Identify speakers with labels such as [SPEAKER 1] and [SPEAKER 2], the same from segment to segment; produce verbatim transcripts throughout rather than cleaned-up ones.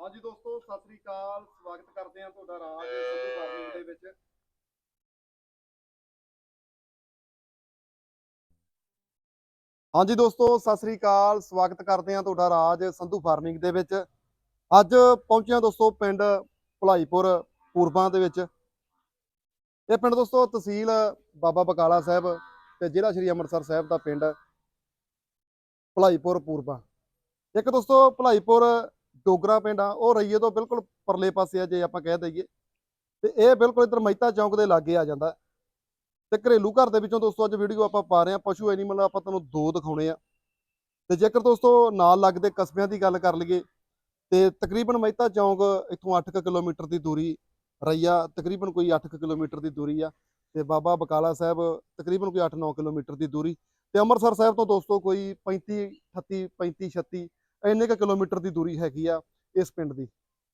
[SPEAKER 1] ਹਾਂਜੀ ਦੋਸਤੋ, ਸਤਿ ਸ੍ਰੀ ਅਕਾਲ। ਸਵਾਗਤ ਕਰਦੇ ਹਾਂ ਤੁਹਾਡਾ ਰਾਜ ਸੰਧੂ ਫਾਰਮਿੰਗ ਦੇ ਵਿੱਚ। ਹਾਂਜੀ ਦੋਸਤੋ, ਸਤਿ ਸ੍ਰੀ ਅਕਾਲ। ਸਵਾਗਤ ਕਰਦੇ ਹਾਂ ਤੁਹਾਡਾ ਰਾਜ ਸੰਧੂ ਫਾਰਮਿੰਗ ਦੇ ਵਿੱਚ। ਅੱਜ ਪਹੁੰਚਿਆ ਦੋਸਤੋ ਪਿੰਡ ਭਲਾਈਪੁਰ ਪੂਰਬਾਂ ਦੇ ਵਿੱਚ। ਇਹ ਪਿੰਡ ਦੋਸਤੋ ਤਹਿਸੀਲ ਬਾਬਾ ਬਕਾਲਾ ਸਾਹਿਬ ਤੇ ਜ਼ਿਲ੍ਹਾ ਸ਼੍ਰੀ ਅੰਮ੍ਰਿਤਸਰ ਸਾਹਿਬ ਦਾ ਪਿੰਡ ਭਲਾਈਪੁਰ ਪੂਰਬਾਂ। ਇੱਕ ਦੋਸਤੋ ਭਲਾਈਪੁਰ ਡੋਗਰਾ ਪਿੰਡ ਆ, ਉਹ ਰਈਏ ਤੋਂ ਬਿਲਕੁਲ ਪਰਲੇ ਪਾਸੇ ਆ ਜੇ ਆਪਾਂ ਕਹਿ ਦਈਏ, ਤੇ ਇਹ ਬਿਲਕੁਲ ਇੱਧਰ ਮਹਿਤਾ ਚੌਂਕ ਦੇ ਲਾਗੇ ਆ ਜਾਂਦਾ। ਤੇ ਘਰੇਲੂ ਘਰ ਦੇ ਵਿੱਚੋਂ ਦੋਸਤੋ ਅੱਜ ਵੀਡੀਓ ਆਪਾਂ ਪਾ ਰਹੇ ਹਾਂ। ਪਸ਼ੂ ਐਨੀਮਲ ਆਪਾਂ ਤੁਹਾਨੂੰ ਦੋ ਦਿਖਾਉਣੇ ਆ। ਤੇ ਜੇਕਰ ਦੋਸਤੋ ਨਾਲ ਲੱਗਦੇ ਕਸਬਿਆਂ ਦੀ ਗੱਲ ਕਰ ਲਈਏ ਤੇ ਤਕਰੀਬਨ ਮਹਿਤਾ ਚੌਂਕ ਇੱਥੋਂ ਅੱਠ ਕੁ ਕਿਲੋਮੀਟਰ ਦੀ ਦੂਰੀ, ਰਈਆ ਤਕਰੀਬਨ ਕੋਈ ਅੱਠ ਕੁ ਕਿਲੋਮੀਟਰ ਦੀ ਦੂਰੀ ਆ, ਤੇ ਬਾਬਾ ਬਕਾਲਾ ਸਾਹਿਬ ਤਕਰੀਬਨ ਕੋਈ ਅੱਠ ਨੌ ਕਿਲੋਮੀਟਰ ਦੀ ਦੂਰੀ, ਤੇ ਅੰਮ੍ਰਿਤਸਰ ਸਾਹਿਬ ਤੋਂ ਦੋਸਤੋ ਕੋਈ ਪੈਂਤੀ ਅਠੱਤੀ ਪੈਂਤੀ ਛੱਤੀ ਇੰਨੇ ਕੁ ਕਿਲੋਮੀਟਰ ਦੀ ਦੂਰੀ ਹੈਗੀ ਆ ਇਸ ਪਿੰਡ ਦੀ।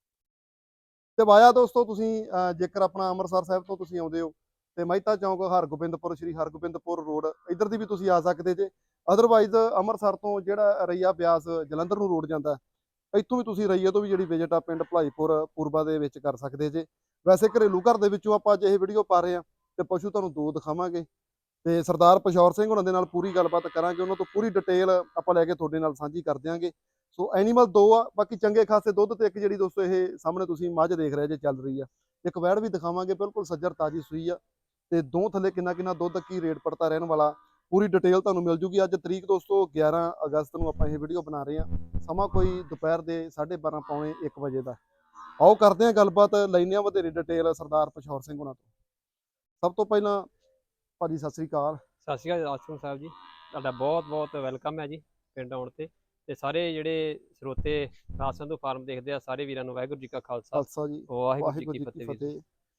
[SPEAKER 1] ਤੇ ਵਾਇਆ ਦੋਸਤੋ ਤੁਸੀਂ ਅਹ ਜੇਕਰ ਆਪਣਾ ਅੰਮ੍ਰਿਤਸਰ ਸਾਹਿਬ ਤੋਂ ਤੁਸੀਂ ਆਉਂਦੇ ਹੋ ਤੇ ਮਹਿਤਾ ਚੌਂਕ ਹਰਗੋਬਿੰਦਪੁਰ ਸ਼੍ਰੀ ਹਰਗੋਬਿੰਦਪੁਰ ਰੋਡ ਇੱਧਰ ਦੀ ਵੀ ਤੁਸੀਂ ਆ ਸਕਦੇ ਜੇ। ਅਦਰਵਾਈਜ਼ ਅੰਮ੍ਰਿਤਸਰ ਤੋਂ ਜਿਹੜਾ ਰਈਆ ਬਿਆਸ ਜਲੰਧਰ ਨੂੰ ਰੋਡ ਜਾਂਦਾ, ਇੱਥੋਂ ਵੀ ਤੁਸੀਂ ਰਈਏ ਤੋਂ ਵੀ ਜਿਹੜੀ ਵਿਜ਼ਿਟ ਆ ਪਿੰਡ ਭਲਾਈਪੁਰ ਪੂਰਬਾ ਦੇ ਵਿੱਚ ਕਰ ਸਕਦੇ ਜੇ। ਵੈਸੇ ਘਰੇਲੂ ਘਰ ਦੇ ਵਿੱਚੋਂ ਆਪਾਂ ਅੱਜ ਇਹ ਵੀਡੀਓ ਪਾ ਰਹੇ ਹਾਂ ਤੇ ਪਸ਼ੂ ਤੁਹਾਨੂੰ ਦੋ ਦਿਖਾਵਾਂਗੇ, ਤੇ ਸਰਦਾਰ ਪਸ਼ੌਰ ਸਿੰਘ ਉਹਨਾਂ ਦੇ ਨਾਲ ਪੂਰੀ ਗੱਲਬਾਤ ਕਰਾਂਗੇ। ਉਹਨਾਂ ਤੋਂ ਪੂਰੀ ਡਿਟੇਲ ਆਪਾਂ ਲੈ ਕੇ ਤੁਹਾਡੇ ਨਾਲ ਸਾਂਝੀ ਕਰ ਦਿਆਂਗੇ। ਸੋ ਐਨੀਮਲ ਦੋ ਆ, ਬਾਕੀ ਚੰਗੇ ਖਾਸੇ ਦੁੱਧ ਤੇ ਇੱਕ ਜਿਹੜੀ ਦੋਸਤੋ ਇਹ ਸਾਹਮਣੇ ਤੁਸੀਂ ਮੱਝ ਦੇਖ ਰਹੇ ਜੇ ਚੱਲ ਰਹੀ ਆ, ਇੱਕ ਵੈੜ ਵੀ ਦਿਖਾਵਾਂਗੇ ਬਿਲਕੁਲ ਸੱਜਰ ਤਾਜੀ ਸੂਈ ਆ। ਤੇ ਦੋ ਥੱਲੇ ਕਿੰਨਾ ਕਿੰਨਾ ਦੁੱਧ, ਕੀ ਰੇਟ ਪੜਤਾ ਰਹਿਣ ਵਾਲਾ, ਪੂਰੀ ਡਿਟੇਲ ਤੁਹਾਨੂੰ ਮਿਲ ਜੂਗੀ। ਅੱਜ ਤਰੀਕ ਦੋਸਤੋ ਗਿਆਰਾਂ ਅਗਸਤ ਨੂੰ ਆਪਾਂ ਇਹ ਵੀਡੀਓ ਬਣਾ ਰਹੇ ਹਾਂ। ਸਮਾਂ ਕੋਈ ਦੁਪਹਿਰ ਦੇ ਸਾਢੇ ਬਾਰਾਂ ਪੌਣੇ ਇੱਕ ਵਜੇ ਦਾ। ਆਓ ਕਰਦੇ ਹਾਂ ਗੱਲਬਾਤ, ਲੈਂਦੇ ਹਾਂ ਵਧੇਰੇ ਡਿਟੇਲ ਸਰਦਾਰ ਪਸ਼ੌਰ ਸਿੰਘ ਉਹਨਾਂ ਤੋਂ। ਸਭ ਤੋਂ ਪਹਿਲਾਂ ਭਾਜੀ ਸਤਿ ਸ੍ਰੀ ਅਕਾਲ।
[SPEAKER 2] ਸਤਿ ਸ਼੍ਰੀ ਅਕਾਲ ਆਸਮ ਸਾਹਿਬ ਜੀ, ਤੁਹਾਡਾ ਬਹੁਤ ਬਹੁਤ ਵੈਲਕਮ ਹੈ ਜੀ ਪਿੰਡ ਆਉਣ ਤੇ। ਤੇ ਸਾਰੇ ਜਿਹੜੇ ਸਰੋਤੇ ਰਾਜ ਸੰਧੂ ਫਾਰਮ ਦੇਖਦੇ ਆ, ਸਾਰੇ ਵੀਰਾਂ ਨੂੰ ਵਾਹਿਗੁਰੂ ਜੀ ਕਾ ਖਾਲਸਾ,
[SPEAKER 1] ਖਾਲਸਾ ਜੀ,
[SPEAKER 2] ਵਾਹਿਗੁਰੂ ਜੀ
[SPEAKER 1] ਵਾਹਿਗੁਰੂ
[SPEAKER 2] ਕੀ
[SPEAKER 1] ਜੀ ਕੀ
[SPEAKER 2] ਫਤਿਹ ਵੀਰ ਜੀ।
[SPEAKER 1] ਫਤਿਹ।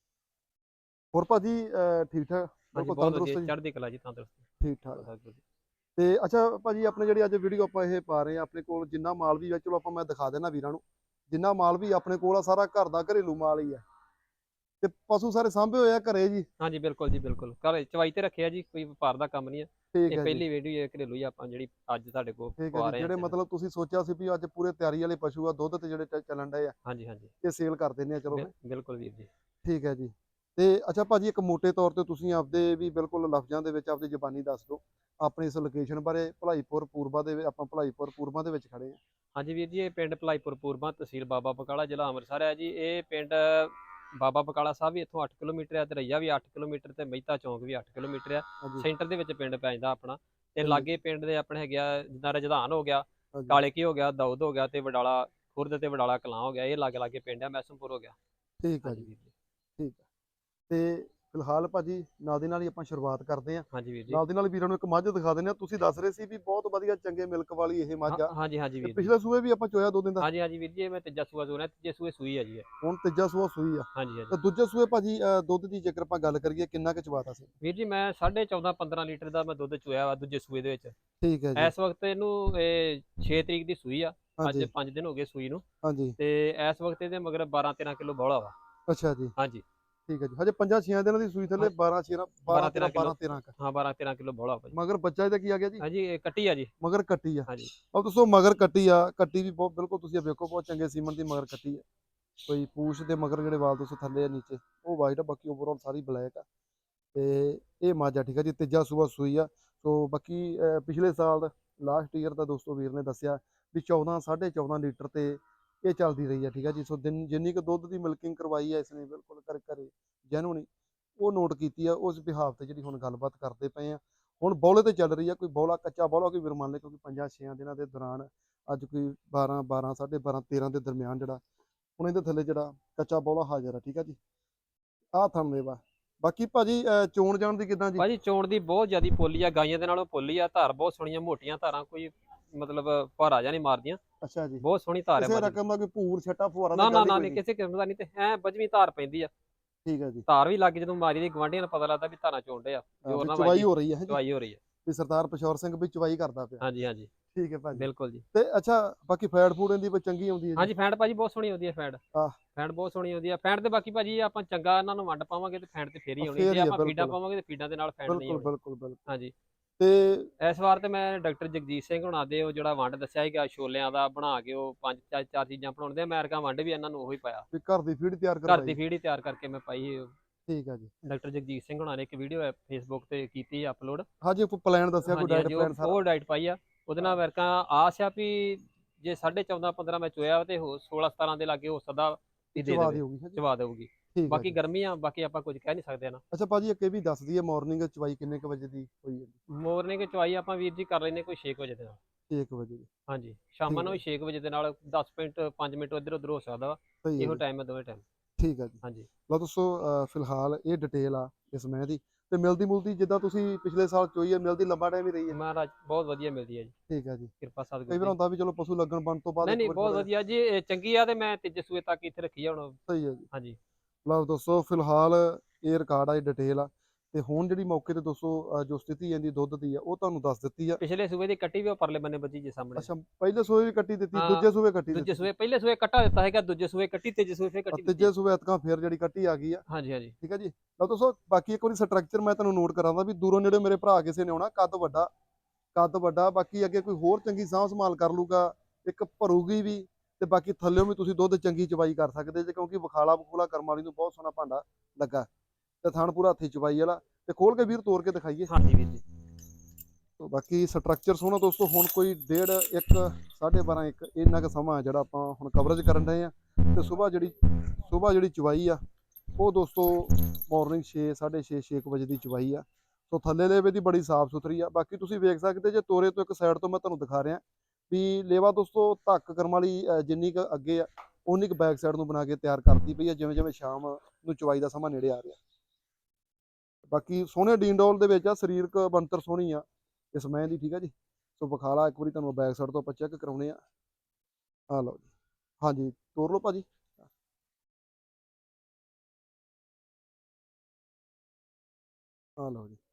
[SPEAKER 1] ਹੋਰ ਭਾਜੀ ਅਹ ਠੀਕ ਠਾਕ?
[SPEAKER 2] ਹਾਂਜੀ
[SPEAKER 1] ਬਿਲਕੁਲ
[SPEAKER 2] ਬਹੁਤ ਵਧੀਆ,
[SPEAKER 1] ਤੰਦਰੁਸਤ ਜੀ?
[SPEAKER 2] ਚੜ੍ਹਦੀ ਕਲਾ ਜੀ, ਤੰਦਰੁਸਤੀ।
[SPEAKER 1] ਠੀਕ ਠਾਕ।
[SPEAKER 2] ਵਾਹਿਗੁਰੂ ਜੀ।
[SPEAKER 1] ਤੇ ਅੱਛਾ ਭਾਜੀ, ਆਪਣੇ ਜਿਹੜੀ ਅੱਜ ਵੀਡੀਓ ਆਪਾਂ ਇਹ ਪਾ ਰਹੇ ਆ, ਆਪਣੇ ਕੋਲ ਜਿੰਨਾ ਮਾਲ ਵੀ ਆ, ਚਲੋ ਆਪਾਂ ਮੈਂ ਦਿਖਾ ਦੇਣਾ ਵੀਰਾਂ ਨੂੰ, ਜਿੰਨਾ ਮਾਲ ਵੀ ਆਪਣੇ ਕੋਲ ਆ ਸਾਰਾ ਘਰ ਦਾ ਘਰੇਲੂ ਮਾਲ ਹੀ ਆ। ਤੇ ਪਸ਼ੂ ਸਾਰੇ ਸਾਂਭੇ ਹੋਏ ਆ ਘਰੇ ਜੀ?
[SPEAKER 2] ਹਾਂਜੀ ਬਿਲਕੁਲ ਜੀ, ਬਿਲਕੁਲ ਘਰ ਚਵਾਈ ਤੇ ਰੱਖਿਆ ਜੀ, ਕੋਈ ਵਪਾਰ ਦਾ ਕੰਮ ਨਹੀਂ ਹੈ।
[SPEAKER 1] ਠੀਕ
[SPEAKER 2] ਇਹ
[SPEAKER 1] ਹੈ ਜੀ,
[SPEAKER 2] ਪਹਿਲੀ ਵੀਡੀਓ ਹੈ ਘਰੇਲੂ ਹੀ ਆਪਾਂ ਜਿਹੜੀ ਅੱਜ ਤੁਹਾਡੇ ਕੋਲ
[SPEAKER 1] ਠੀਕ ਹੈ
[SPEAKER 2] ਪਵਾ
[SPEAKER 1] ਜੀ।
[SPEAKER 2] ਰਹੇ ਹਾਂ
[SPEAKER 1] ਜਿਹੜੇ
[SPEAKER 2] ਚੈਨਲ।
[SPEAKER 1] ਮਤਲਬ ਤੁਸੀਂ ਸੋਚਿਆ ਸੀ ਵੀ ਅੱਜ ਪੂਰੇ ਤਿਆਰੀ ਵਾਲੇ ਪਸ਼ੂ ਆ, ਦੁੱਧ ਤੇ ਜਿਹੜੇ ਚ- ਚੱਲਣ ਡਏ ਆ,
[SPEAKER 2] ਹਾਂਜੀ ਹਾਂਜੀ
[SPEAKER 1] ਇਹ ਸੇਲ ਕਰ ਦਿੰਦੇ ਆ ਚਲੋ
[SPEAKER 2] ਬਿਲ-
[SPEAKER 1] ਫਿਰ।
[SPEAKER 2] ਬਿਲਕੁਲ ਵੀਰ ਜੀ।
[SPEAKER 1] ਠੀਕ ਹੈ ਜੀ। ਤੇ ਅੱਛਾ ਭਾਜੀ, ਇੱਕ ਮੋٹے ਤੌਰ ਤੇ ਤੁਸੀਂ ਆਪਦੇ ਵੀ ਬਿਲਕੁਲ ਲਫ਼ਜ਼ਾਂ ਦੇ ਵਿੱਚ ਆਪਦੀ ਜ਼ਬਾਨੀ ਦੱਸ ਦਿਓ ਆਪਣੀ ਇਸ ਲੋਕੇਸ਼ਨ ਬਾਰੇ। ਭਲਾਈਪੁਰ ਪੂਰਬਾ ਦੇ ਵਿੱਚ, ਆਪਾਂ ਭਲਾਈਪੁਰ ਪੂਰਬਾ ਦੇ ਵਿੱਚ ਖੜੇ ਆ।
[SPEAKER 2] ਹਾਂਜੀ ਵੀਰ ਜੀ, ਇਹ ਪਿੰਡ ਭਲਾਈਪੁਰ ਪੂਰਬਾ, ਤਹਿਸੀਲ ਬਾਬਾ ਬਕਾਲਾ, ਜ਼ਿਲ੍ਹਾ ਅੰਮ੍ਰਿਤਸਰ ਹੈ ਜੀ। ਇਹ ਪਿੰਡ ਬਾਬਾ ਬਕਾਲਾ ਸਾਹਿਬ ਵੀ ਇੱਥੋਂ ਅੱਠ ਕਿਲੋਮੀਟਰ ਹੈ, ਤੇ ਰਈਆ ਵੀ ਅੱਠ ਕਿਲੋਮੀਟਰ, ਤੇ ਮਹਿਤਾ ਚੌਂਕ ਵੀ ਅੱਠ ਕਿਲੋਮੀਟਰ ਆ।
[SPEAKER 1] ਹਾਂਜੀ,
[SPEAKER 2] ਸੈਂਟਰ ਦੇ ਵਿੱਚ ਪਿੰਡ ਪੈ ਜਾਂਦਾ ਆਪਣਾ। ਤੇ
[SPEAKER 1] ਸਹੀ ਹੈ
[SPEAKER 2] ਲਾਗੇ
[SPEAKER 1] ਜੀ।
[SPEAKER 2] ਪਿੰਡ ਦੇ ਆਪਣੇ ਹੈਗੇ ਆ, ਜਿੱਦਾਂ ਰਜਧਾਨ ਹੋ ਗਿਆ,
[SPEAKER 1] ਹਾਂਜੀ,
[SPEAKER 2] ਕਾਲੇ ਕੀ ਹੋ ਗਿਆ, ਦਾਊਦ ਹੋ ਗਿਆ, ਤੇ ਵਡਾਲਾ ਖੁਰਦ ਤੇ ਵਡਾਲਾ ਕਲਾਂ ਹੋ ਗਿਆ। ਇਹ ਲਾਗੇ ਲਾਗੇ ਪਿੰਡ ਆ, ਮੈਸਮਪੁਰ ਹੋ ਗਿਆ।
[SPEAKER 1] ਠੀਕ ਹੈ
[SPEAKER 2] ਹਾਂਜੀ
[SPEAKER 1] ਜੀ,
[SPEAKER 2] ਵੀਰ ਜੀ।
[SPEAKER 1] ਠੀਕ ਹੈ। ਤੇ ਫਿਲਹਾਲ ਭਾਜੀ ਨਾਲ ਦੀ ਨਾਲ ਹੀ ਆਪਾਂ ਸ਼ੁਰੂਆਤ ਕਰਦੇ ਹਾਂ।
[SPEAKER 2] ਹਾਂਜੀ ਵੀਰ ਜੀ।
[SPEAKER 1] ਨਾਲ ਦੀ ਨਾਲ ਵੀਰਾਂ ਨੂੰ ਇੱਕ ਮੱਝ ਦਿਖਾ ਦਿੰਦੇ ਆ। ਤੁਸੀਂ ਦੱਸ ਰਹੇ ਸੀ ਵੀ ਬਹੁਤ ਵਧੀਆ ਚੰਗੇ ਮਿਲਕ ਵਾਲੀ ਇਹ ਮੱਝ
[SPEAKER 2] ਹਾਂ
[SPEAKER 1] ਆ,
[SPEAKER 2] ਹਾਂਜੀ ਹਾਂਜੀ
[SPEAKER 1] ਤੇ
[SPEAKER 2] ਵੀਰ ਜੀ।
[SPEAKER 1] ਪਿਛਲੇ ਸੂਏ ਵੀ ਆਪਾਂ ਚੋਇਆ ਦੋ ਦਿਨ ਦਾ।
[SPEAKER 2] ਹਾਂਜੀ ਹਾਂਜੀ ਵੀਰ ਜੀ, ਇਹ ਮੈਂ ਤੀਜਾ ਸੂਆ ਸੂਣਾ, ਤੀਜੇ ਸੂਏ ਸੂਈ ਹੈ ਜੀ ਇਹ।
[SPEAKER 1] ਹੁਣ ਤੀਜਾ ਸੂਆ ਸੂਈ ਆ।
[SPEAKER 2] ਹਾਂਜੀ ਹਾਂਜੀ
[SPEAKER 1] ਤੇ ਦੂਜੇ ਸੂਏ ਭਾਜੀ ਅਹ ਦੁੱਧ ਦੀ ਜੇਕਰ ਆਪਾਂ ਗੱਲ ਕਰੀਏ ਕਿੰਨਾ ਕੁ ਚਵਾਤਾ ਸੀ?
[SPEAKER 2] ਵੀਰ ਜੀ, ਮੈਂ ਸਾਢੇ ਚੌਦਾਂ ਪੰਦਰਾਂ ਲੀਟਰ ਦਾ ਮੈਂ ਦੁੱਧ ਚੋਇਆ ਵਾ ਦੂਜੇ ਸੂਏ ਦੇ ਵਿੱਚ।
[SPEAKER 1] ਠੀਕ ਹੈ ਜੀ।
[SPEAKER 2] ਇਸ ਵਕਤ ਇਹਨੂੰ ਇਹ ਛੇ ਤਰੀਕ ਦੀ ਸੂਈ ਆ। ਅੱਜ
[SPEAKER 1] ਹਾਂਜੀ,
[SPEAKER 2] ਪੰਜ ਦਿਨ ਹੋ ਗਏ ਸੂਈ ਨੂੰ।
[SPEAKER 1] ਹਾਂਜੀ।
[SPEAKER 2] ਤੇ ਇਸ ਵਕਤ ਇਹਦੇ ਮਗਰ ਬਾਰਾਂ ਤੇਰਾਂ ਕਿਲੋ ਬੌਲਾ ਵਾ।
[SPEAKER 1] ਅੱਛਾ ਜੀ,
[SPEAKER 2] ਹਾਂਜੀ
[SPEAKER 1] ਠੀਕ ਹੈ ਜੀ। ਹਜੇ ਪੰਜਾਂ ਛੇਆਂ ਦਿਨਾਂ ਦੀ ਸੂਈ ਥੱਲੇ, ਬਾਰਾਂ ਛੇਰਾਂ ਬਾਰਾਂ
[SPEAKER 2] ਬਾਰਾਂ
[SPEAKER 1] ਤੇਰਾਂ
[SPEAKER 2] ਤੇਰਾਂ ਕਿਲੋ।
[SPEAKER 1] ਬਾਰਾਂ ਤੇਰਾਂ ਕ
[SPEAKER 2] ਹਾਂ ਬਾਰਾਂ ਤੇਰਾਂ ਕਿਲੋ ਬੌਲਾ ਵਾ ਜੀ।
[SPEAKER 1] ਮਗਰ ਬੱਚਾ ਇਹਦਾ ਕੀ ਆ ਗਿਆ ਜੀ?
[SPEAKER 2] ਹਾਂਜੀ ਇਹ ਕੱਟੀ ਆ ਜੀ।
[SPEAKER 1] ਮਗਰ ਕੱਟੀ ਆ।
[SPEAKER 2] ਹਾਂਜੀ
[SPEAKER 1] ਉਹ ਦੱਸੋ, ਮਗਰ ਕੱਟੀ ਆ, ਕੱਟੀ ਵੀ ਬਹੁਤ ਬਿਲਕੁਲ ਤੁਸੀਂ ਇਹ ਵੇਖੋ ਬਹੁਤ ਚੰਗੇ ਸੀਮਨ ਦੀ ਮਗਰ ਕੱਟੀ ਆ। ਕੋਈ ਪੂਛ ਦੇ ਮਗਰ ਜਿਹੜੇ ਵਾਲ ਤੁਸੀਂ ਥੱਲੇ ਆ ਨੀਚੇ ਉਹ ਵਾਈਟ ਆ, ਬਾਕੀ ਓਵਰਆਲ ਸਾਰੀ ਬਲੈਕ ਆ। ਤੇ ਇਹ ਮੱਝ ਆ, ਠੀਕ ਆ ਜੀ, ਤੀਜਾ ਸੂਆ ਸੂਈ ਆ। ਸੋ ਬਾਕੀ ਅਹ ਪਿਛਲੇ ਸਾਲ ਲਾਸਟ ਈਅਰ ਦਾ ਦੋਸਤੋ ਵੀਰ ਨੇ ਦੱਸਿਆ ਵੀ ਚੌਦਾਂ ਸਾਢੇ ਚੌਦਾਂ ਲੀਟਰ ਤੇ ਇਹ ਚੱਲਦੀ ਰਹੀ ਆ, ਠੀਕ ਆ ਜੀ। ਸੋ ਦਿਨ ਜਿੰਨੀ ਕੁ ਦੁੱਧ ਦੀ ਮਿਲਕਿੰਗ ਕਰਵਾਈ ਆ ਇਸਨੇ ਬਿਲਕੁਲ ਕਰ ਘਰੇ ਜੈਨੂਨ ਉਹ ਨੋਟ ਕੀਤੀ ਆ। ਉਸ ਬਿਹਾਫ ਤੇ ਜਿਹੜੀ ਹੁਣ ਗੱਲਬਾਤ ਕਰਦੇ ਪਏ ਆ, ਹੁਣ ਬੌਲੇ ਤੇ ਚੱਲ ਰਹੀ ਆ। ਕੋਈ ਬੌਲਾ ਕੱਚਾ ਬੌਲਾ ਕੋਈ ਵੀਰ ਮੰਨ ਲੈ, ਕਿਉਂਕਿ ਪੰਜਾਂ ਛੇਆਂ ਦਿਨਾਂ ਦੇ ਦੌਰਾਨ ਅੱਜ ਕੋਈ ਬਾਰਾਂ ਬਾਰਾਂ ਸਾਢੇ ਬਾਰਾਂ ਤੇਰਾਂ ਦੇ ਦਰਮਿਆਨ ਜਿਹੜਾ ਹੁਣ ਇਹਦੇ ਥੱਲੇ ਜਿਹੜਾ ਕੱਚਾ ਬੌਲਾ ਹਾਜ਼ਰ ਆ, ਠੀਕ ਆ ਜੀ। ਆਹ ਥੰਮੇ ਵਾ। ਬਾਕੀ ਭਾਜੀ ਅਹ ਚੋਣ ਜਾਣ ਦੀ ਕਿੱਦਾਂ ਜੀ?
[SPEAKER 2] ਭਾਜੀ, ਚੋਣ ਦੀ ਬਹੁਤ ਜ਼ਿਆਦੀ ਪੋਲੀ ਆ, ਗਾਈਆਂ ਦੇ ਨਾਲੋਂ ਪੋਲੀ ਆ। ਧਾਰ ਬਹੁਤ ਸੋਹਣੀਆਂ ਮੋਟੀਆਂ ਧਾਰਾਂ, ਕੋਈ ਮਤਲਬ ਭਾਰਾ ਜਿਹਾ ਨਹੀਂ ਮਾਰਦੀਆਂ।
[SPEAKER 1] ਅੱਛਾ ਜੀ।
[SPEAKER 2] ਬਹੁਤ ਸੋਹਣੀ ਧਾਰ ਹੈ
[SPEAKER 1] ਕਿਸੇ
[SPEAKER 2] ਮੱਝ ਦੀ।
[SPEAKER 1] ਰਕਮ ਦਾ ਕੋਈ ਭੂਰ ਛੱਟਾ ਫੁਹਾਰਾ ਤਾਂ
[SPEAKER 2] ਨਾ ਨਾ
[SPEAKER 1] ਗੱਲ ਹੀ
[SPEAKER 2] ਨਾ
[SPEAKER 1] ਕੋਈ
[SPEAKER 2] ਨਹੀਂ,
[SPEAKER 1] ਨਹੀਂ?
[SPEAKER 2] ਕਿਸੇ ਕਿਸਮ ਦਾ ਨਹੀਂ। ਤੇ ਐ ਬਜਵੀਂ ਧਾਰ ਪੈਂਦੀ ਆ।
[SPEAKER 1] ਠੀਕ ਹੈ ਜੀ।
[SPEAKER 2] ਧਾਰ ਵੀ ਲੱਗ ਜਦੋਂ ਮਾਰੀ ਦੀ, ਗਵਾਂਢੀਆਂ ਨੂੰ ਪਤਾ ਲੱਗਦਾ ਵੀ ਧਾਰਾਂ ਚੋਂਡੇ ਆ,
[SPEAKER 1] ਹਾਂ,
[SPEAKER 2] ਜੋਰ
[SPEAKER 1] ਵੀ
[SPEAKER 2] ਨਾਲ
[SPEAKER 1] ਚਵਾਈ
[SPEAKER 2] ਵੱਜਦੀ।
[SPEAKER 1] ਹੋ ਰਹੀ ਹੈ ਜੀ,
[SPEAKER 2] ਚਵਾਈ ਹੋ ਰਹੀ ਹੈ।
[SPEAKER 1] ਵੀ ਸਰਦਾਰ ਪਸ਼ੌਰ ਸਿੰਘ ਵੀ ਚਵਾਈ ਕਰਦਾ ਪਿਆ।
[SPEAKER 2] ਹਾਂਜੀ ਹਾਂਜੀ
[SPEAKER 1] ਠੀਕ ਹੈ ਭਾਜੀ।
[SPEAKER 2] ਬਿਲਕੁਲ ਜੀ।
[SPEAKER 1] ਤੇ ਅੱਛਾ, ਬਾਕੀ ਫੈਟ ਫੂਡ ਇਹਦੀ ਕੋਈ ਚੰਗੀ ਆਉਂਦੀ ਹੈ ਜੀ?
[SPEAKER 2] ਹਾਂਜੀ ਫੈਂਟ ਭਾਜੀ ਬਹੁਤ ਸੋਹਣੀ ਆਉਂਦੀ ਹੈ। ਫੈਂਟ
[SPEAKER 1] ਆਹ
[SPEAKER 2] ਫੈਂਟ ਬਹੁਤ ਸੋਹਣੀ ਆਉਂਦੀ ਹੈ। ਫੈਂਟ ਤੇ ਬਾਕੀ ਭਾਜੀ ਆਪਾਂ ਚੰਗਾ ਇਹਨਾਂ ਨੂੰ ਵੰਡ ਪਾਵਾਂਗੇ ਤੇ ਫੈਂਟ ਤੇ ਫੇਰ ਹੀ ਆਉਣੀ।
[SPEAKER 1] ਫੇਰ
[SPEAKER 2] ਜੇ
[SPEAKER 1] ਹੀ ਆ,
[SPEAKER 2] ਆਪਾਂ ਫੀਡਾਂ
[SPEAKER 1] ਬਿਲਕੁਲ
[SPEAKER 2] ਪਾਵਾਂਗੇ ਤੇ ਫੀਡਾਂ ਦੇ ਨਾਲ ਫੈਂਟ ਨਹੀਂ
[SPEAKER 1] ਬਿਲਕੁਲ
[SPEAKER 2] ਆਉਣੀ।
[SPEAKER 1] ਬਿਲਕੁਲ ਬਿਲਕੁਲ।
[SPEAKER 2] ਹਾਂਜੀ
[SPEAKER 1] ਤੇ
[SPEAKER 2] ਇਸ ਵਾਰ ਤੇ ਮੈਂ ਡਾਕਟਰ ਜਗਜੀਤ ਸਿੰਘ ਹੁਣਾਂ ਦੇ ਉਹ ਜਿਹੜਾ ਵੰਡ ਦੱਸਿਆ ਸੀਗਾ ਛੋਲਿਆਂ ਦਾ ਬਣਾ ਕੇ ਉਹ ਪੰਜ ਚਾਰ ਚਾਰ ਚੀਜ਼ਾਂ ਬਣਾਉਂਦੇ ਅਮਰੀਕਾ ਵੰਡ ਵੀ ਇਹਨਾਂ ਨੂੰ ਉਹੀ ਪਾਇਆ।
[SPEAKER 1] ਵੀ ਘਰ ਦੀ ਫੀਡ ਤਿਆਰ
[SPEAKER 2] ਘਰ ਦੀ
[SPEAKER 1] ਕਰਵਾਈ।
[SPEAKER 2] ਫੀਡ ਹੀ ਤਿਆਰ ਕਰਕੇ ਮੈਂ ਪਾਈ।
[SPEAKER 1] ਠੀਕ ਆ ਜੀ।
[SPEAKER 2] ਡਾਕਟਰ ਜਗਜੀਤ ਸਿੰਘ ਹੁਣਾਂ ਨੇ ਇੱਕ ਵੀਡੀਓ ਫੇਸਬੁੱਕ ਤੇ ਕੀਤੀ ਅਪਲੋਡ।
[SPEAKER 1] ਹਾਂਜੀ ਕੋਈ ਪਲਾਨ ਦੱਸਿਆ, ਕੋਈ
[SPEAKER 2] ਹਾਂਜੀ
[SPEAKER 1] ਡਾਈਟ
[SPEAKER 2] ਹਾਂਜੀ
[SPEAKER 1] ਪਲਾਨ
[SPEAKER 2] ਉਹ
[SPEAKER 1] ਸਾਰਾ।
[SPEAKER 2] ਉਹ ਡਾਈਟ ਪਾਈ ਆ। ਉਹਦੇ ਨਾਲ ਅਮਰੀਕਾ ਆਸ ਆ ਵੀ ਜੇ ਸਾਢੇ ਚੌਦਾਂ ਪੰਦਰਾਂ ਮੈਂ ਚੋਇਆ ਤੇ ਹੋ ਸੋਲਾਂ ਸਤਾਰਾਂ ਦੇ ਲਾਗੇ ਹੋ ਸਕਦਾ ਵੀ ਦੇ
[SPEAKER 1] ਚਵਾ
[SPEAKER 2] ਦੇਵੇ,
[SPEAKER 1] ਦਿਓਗੀ ਹਾਂਜੀ।
[SPEAKER 2] ਚਵਾ ਦੇਊਗੀ।
[SPEAKER 1] ਠੀਕ ਆ
[SPEAKER 2] ਬਾਕੀ
[SPEAKER 1] ਜੀ।
[SPEAKER 2] ਗਰਮੀ ਆ, ਬਾਕੀ ਆਪਾਂ ਕੁਝ ਕਹਿ ਨਹੀਂ ਸਕਦੇ ਨਾ।
[SPEAKER 1] ਅੱਛਾ ਭਾਜੀ ਇੱਕ ਇਹ ਵੀ ਦੱਸ ਦਈਏ ਮਾਰਨਿੰਗ ਚਵਾਈ ਕਿੰਨੇ ਕੁ ਵਜੇ ਦੀ ਹੋਈ ਹੈ?
[SPEAKER 2] ਮੋਰਨਿੰਗ ਚਵਾਈ ਆਪਾਂ ਵੀਰ ਜੀ ਕਰ ਲੈਨੇ ਕੋਈ ਛੇ ਕੁ ਵਜੇ ਦੇ ਨਾਲ।
[SPEAKER 1] ਛੇ ਕੁ ਵਜੇ ਦੀ।
[SPEAKER 2] ਹਾਂਜੀ ਸ਼ਾਮਾਂ
[SPEAKER 1] ਠੀਕ
[SPEAKER 2] ਨੂੰ
[SPEAKER 1] ਹੈ।
[SPEAKER 2] ਵੀ ਛੇ ਕੁ ਵਜੇ ਦੇ ਨਾਲ ਦਸ ਮਿੰਟ ਪੰਜ ਮਿੰਟ ਇੱਧਰ ਉੱਧਰ ਹੋ ਸਕਦਾ ਵਾ।
[SPEAKER 1] ਸਹੀ ਹੈ
[SPEAKER 2] ਇਹੋ
[SPEAKER 1] ਜੀ।
[SPEAKER 2] ਟਾਈਮ ਹੈ ਦੋਵੇਂ ਟਾਈਮ।
[SPEAKER 1] ਠੀਕ ਆ ਜੀ।
[SPEAKER 2] ਹਾਂਜੀ
[SPEAKER 1] ਲਓ ਦੋਸਤੋ ਅਹ ਫਿਲਹਾਲ ਇਹ ਡਿਟੇਲ ਆ ਇਸ ਮੈਂ ਦੀ ਤੇ ਮਿਲਦੀ ਮੁਲਦੀ ਜਿੱਦਾਂ ਤੁਸੀਂ ਪਿਛਲੇ ਸਾਲ ਚੋਈ ਹੈ ਮਿਲਦੀ ਲੰਬਾ ਟਾਈਮ ਹੀ ਰਹੀ ਹੈ।
[SPEAKER 2] ਮਹਾਰਾਜ ਬਹੁਤ ਵਧੀਆ ਮਿਲਦੀ ਹੈ ਜੀ,
[SPEAKER 1] ਠੀਕ ਆ ਜੀ।
[SPEAKER 2] ਕਿਰਪਾ
[SPEAKER 1] ਕਈ
[SPEAKER 2] ਸਤਿਗੁਰੂ
[SPEAKER 1] ਵਾਰ
[SPEAKER 2] ਦੀ।
[SPEAKER 1] ਹੁੰਦਾ ਵੀ ਚਲੋ ਪਸ਼ੂ ਲੱਗਣ ਬਣ ਤੋਂ ਬਾਅਦ
[SPEAKER 2] ਨਹੀਂ
[SPEAKER 1] ਇੱਕ
[SPEAKER 2] ਨਹੀਂ
[SPEAKER 1] ਵਾਰ
[SPEAKER 2] ਬਹੁਤ
[SPEAKER 1] ਥੋੜ੍ਹਾ ਜਿਹਾ-
[SPEAKER 2] ਵਧੀਆ ਜੀ, ਇਹ ਚੰਗੀ ਆ ਤੇ ਮੈਂ ਤੀਜੇ ਸੂਏ ਤੱਕ ਇੱਥੇ ਰੱਖੀ ਆ ਹੁਣ।
[SPEAKER 1] ਸਹੀ ਹੈ ਜੀ।
[SPEAKER 2] ਹਾਂਜੀ
[SPEAKER 1] ਲਓ ਦੋਸਤੋ ਫਿਲਹਾਲ ਇਹ ਰਿਕਾਰਡ ਆ, ਇਹ ਡਿਟੇਲ ਆ ਤੇ ਹੁਣ ਜਿਹੜੀ ਮੌਕੇ ਤੇ ਦੋਸਤੋ ਅਹ ਜੋ ਸਥਿਤੀ ਜਾਂਦੀ ਦੁੱਧ ਦੀ ਆ ਉਹ ਤੁਹਾਨੂੰ ਦੱਸ ਦਿੱਤੀ ਆ।
[SPEAKER 2] ਪਿਛਲੇ ਸੂਏ ਦੀ ਕੱਟੀ ਵੀ ਉਹ ਪਰਲੇ ਬੰਨੇ ਬੱਜੀ ਜੀ ਸਾਹਮਣੇ।
[SPEAKER 1] ਅੱਛਾ ਪਹਿਲੇ ਸੂਏ ਵੀ ਕੱਟੀ ਦਿੱਤੀ,
[SPEAKER 2] ਹਾਂ,
[SPEAKER 1] ਦੂਜੇ ਸੂਏ ਕੱਟੀ
[SPEAKER 2] ਦੂਜੇ
[SPEAKER 1] ਦਿੱਤੀ।
[SPEAKER 2] ਸੂਏ ਪਹਿਲੇ ਸੂਏ ਕੱਟਾ ਦਿੱਤਾ ਹੈਗਾ, ਦੂਜੇ ਸੂਏ ਕੱਟੀ, ਤੀਜੇ ਸੂਏ ਫੇਰ ਕੱਟੀ ਦਿੱਤੀ।
[SPEAKER 1] ਤੀਜੇ ਸੂਏ ਐਤਕਾਂ ਫੇਰ ਜਿਹੜੀ ਕੱਟੀ ਆ ਗਈ ਆ।
[SPEAKER 2] ਹਾਂਜੀ ਹਾਂਜੀ
[SPEAKER 1] ਠੀਕ ਹੈ ਜੀ। ਲਓ ਦੋਸਤੋ ਬਾਕੀ ਇੱਕ ਵਾਰੀ ਸਟਰਕਚਰ ਮੈਂ ਤੁਹਾਨੂੰ ਨੋਟ ਕਰਾਂਦਾ ਵੀ ਦੂਰੋਂ ਨੇੜੇ ਮੇਰੇ ਭਰਾ ਕਿਸੇ ਨੇ ਆਉਣਾ, ਕੱਦ ਵੱਡਾ ਕੱਦ ਵੱਡਾ ਬਾਕੀ ਅੱਗੇ ਕੋਈ ਹੋਰ ਚੰਗੀ ਸਾਂਭ ਸੰਭਾਲ ਕਰ ਲੂਗਾ, ਇੱਕ ਭਰੂਗੀ ਵੀ ਤੇ ਬਾਕੀ ਥੱਲਿਓਂ ਵੀ ਤੁਸੀਂ ਦੁੱਧ ਚੰਗੀ ਚਵਾਈ ਕਰ ਸਕਦੇ ਜੇ, ਕਿਉਂਕਿ ਵਿਖਾਲਾ ਬਖੂਲਾ ਕਰਮ ਵਾਲੀ ਨੂੰ ਬਹੁਤ ਸੋਹਣਾ ਭਾਂਡਾ ਲੱਗਾ ਤੇ ਥਣ ਪੂਰਾ ਹੱਥੀ ਚਵਾਈ ਵਾਲਾ। ਤੇ ਖੋਲ ਕੇ ਵੀਰ ਤੋੜ ਕੇ ਦਿਖਾਈਏ।
[SPEAKER 2] ਹਾਂਜੀ ਵੀਰ ਜੀ।
[SPEAKER 1] ਤੋ ਬਾਕੀ ਸਟਰਕਚਰ ਸੋਹਣਾ ਦੋਸਤੋ। ਹੁਣ ਕੋਈ ਡੇਢ ਇੱਕ ਸਾਢੇ ਬਾਰਾਂ ਇੱਕ ਇੰਨਾ ਕੁ ਸਮਾਂ ਜਿਹੜਾ ਆਪਾਂ ਹੁਣ ਕਵਰੇਜ ਕਰਨ ਰਹੇ ਆ ਤੇ ਸਵੇਰ ਜਿਹੜੀ ਸਵੇਰ ਜਿਹੜੀ ਚਵਾਈ ਆ ਉਹ ਦੋਸਤੋ ਮਾਰਨਿੰਗ ਛੇ ਸਾਢੇ ਛੇ ਛੇ ਕੁ ਵਜੇ ਦੀ ਚਵਾਈ ਆ। ਸੋ ਥੱਲੇ ਲੇਵੇ ਦੀ ਬੜੀ ਸਾਫ਼ ਸੁਥਰੀ ਆ। ਬਾਕੀ ਤੁਸੀਂ ਵੇਖ ਸਕਦੇ ਜੇ ਤੋਰੇ ਤੋਂ ਇੱਕ ਸਾਈਡ ਤੋਂ ਮੈਂ ਤੁਹਾਨੂੰ ਦਿਖਾ ਰਿਹਾ ਵੀ ਲੇਵਾ ਦੋਸਤੋ ਧੱਕ ਕਰਮ ਵਾਲੀ ਜਿੰਨੀ ਕੁ ਅੱਗੇ ਆ ਉਨੀ ਕੁ ਬੈਕ ਸਾਈਡ ਨੂੰ ਬਣਾ ਕੇ ਤਿਆਰ ਕਰਤੀ ਪਈ ਆ, ਜਿਵੇਂ ਜਿਵੇਂ ਸ਼ਾਮ ਨੂੰ ਚਵਾਈ ਦਾ ਸਮਾਂ ਨੇੜੇ ਆ ਰਿਹਾ। ਬਾਕੀ ਸੋਹਣੇ ਡੀਨਡੋਲ ਦੇ ਵਿੱਚ ਆ, ਸਰੀਰਕ ਬਣਤਰ ਸੋਹਣੀ ਆ ਇਸ ਮੈਂ ਦੀ। ਠੀਕ ਆ ਜੀ। ਸੋ ਵਿਖਾਲਾ ਇੱਕ ਵਾਰੀ ਤੁਹਾਨੂੰ ਬੈਕ ਸਾਈਡ ਤੋਂ ਆਪਾਂ ਚੈੱਕ ਕਰਾਉਣੇ ਆ। ਆ ਲਓ ਜੀ। ਹਾਂਜੀ ਤੋਰ ਲਓ ਭਾਜੀ। ਆ ਲਓ ਜੀ।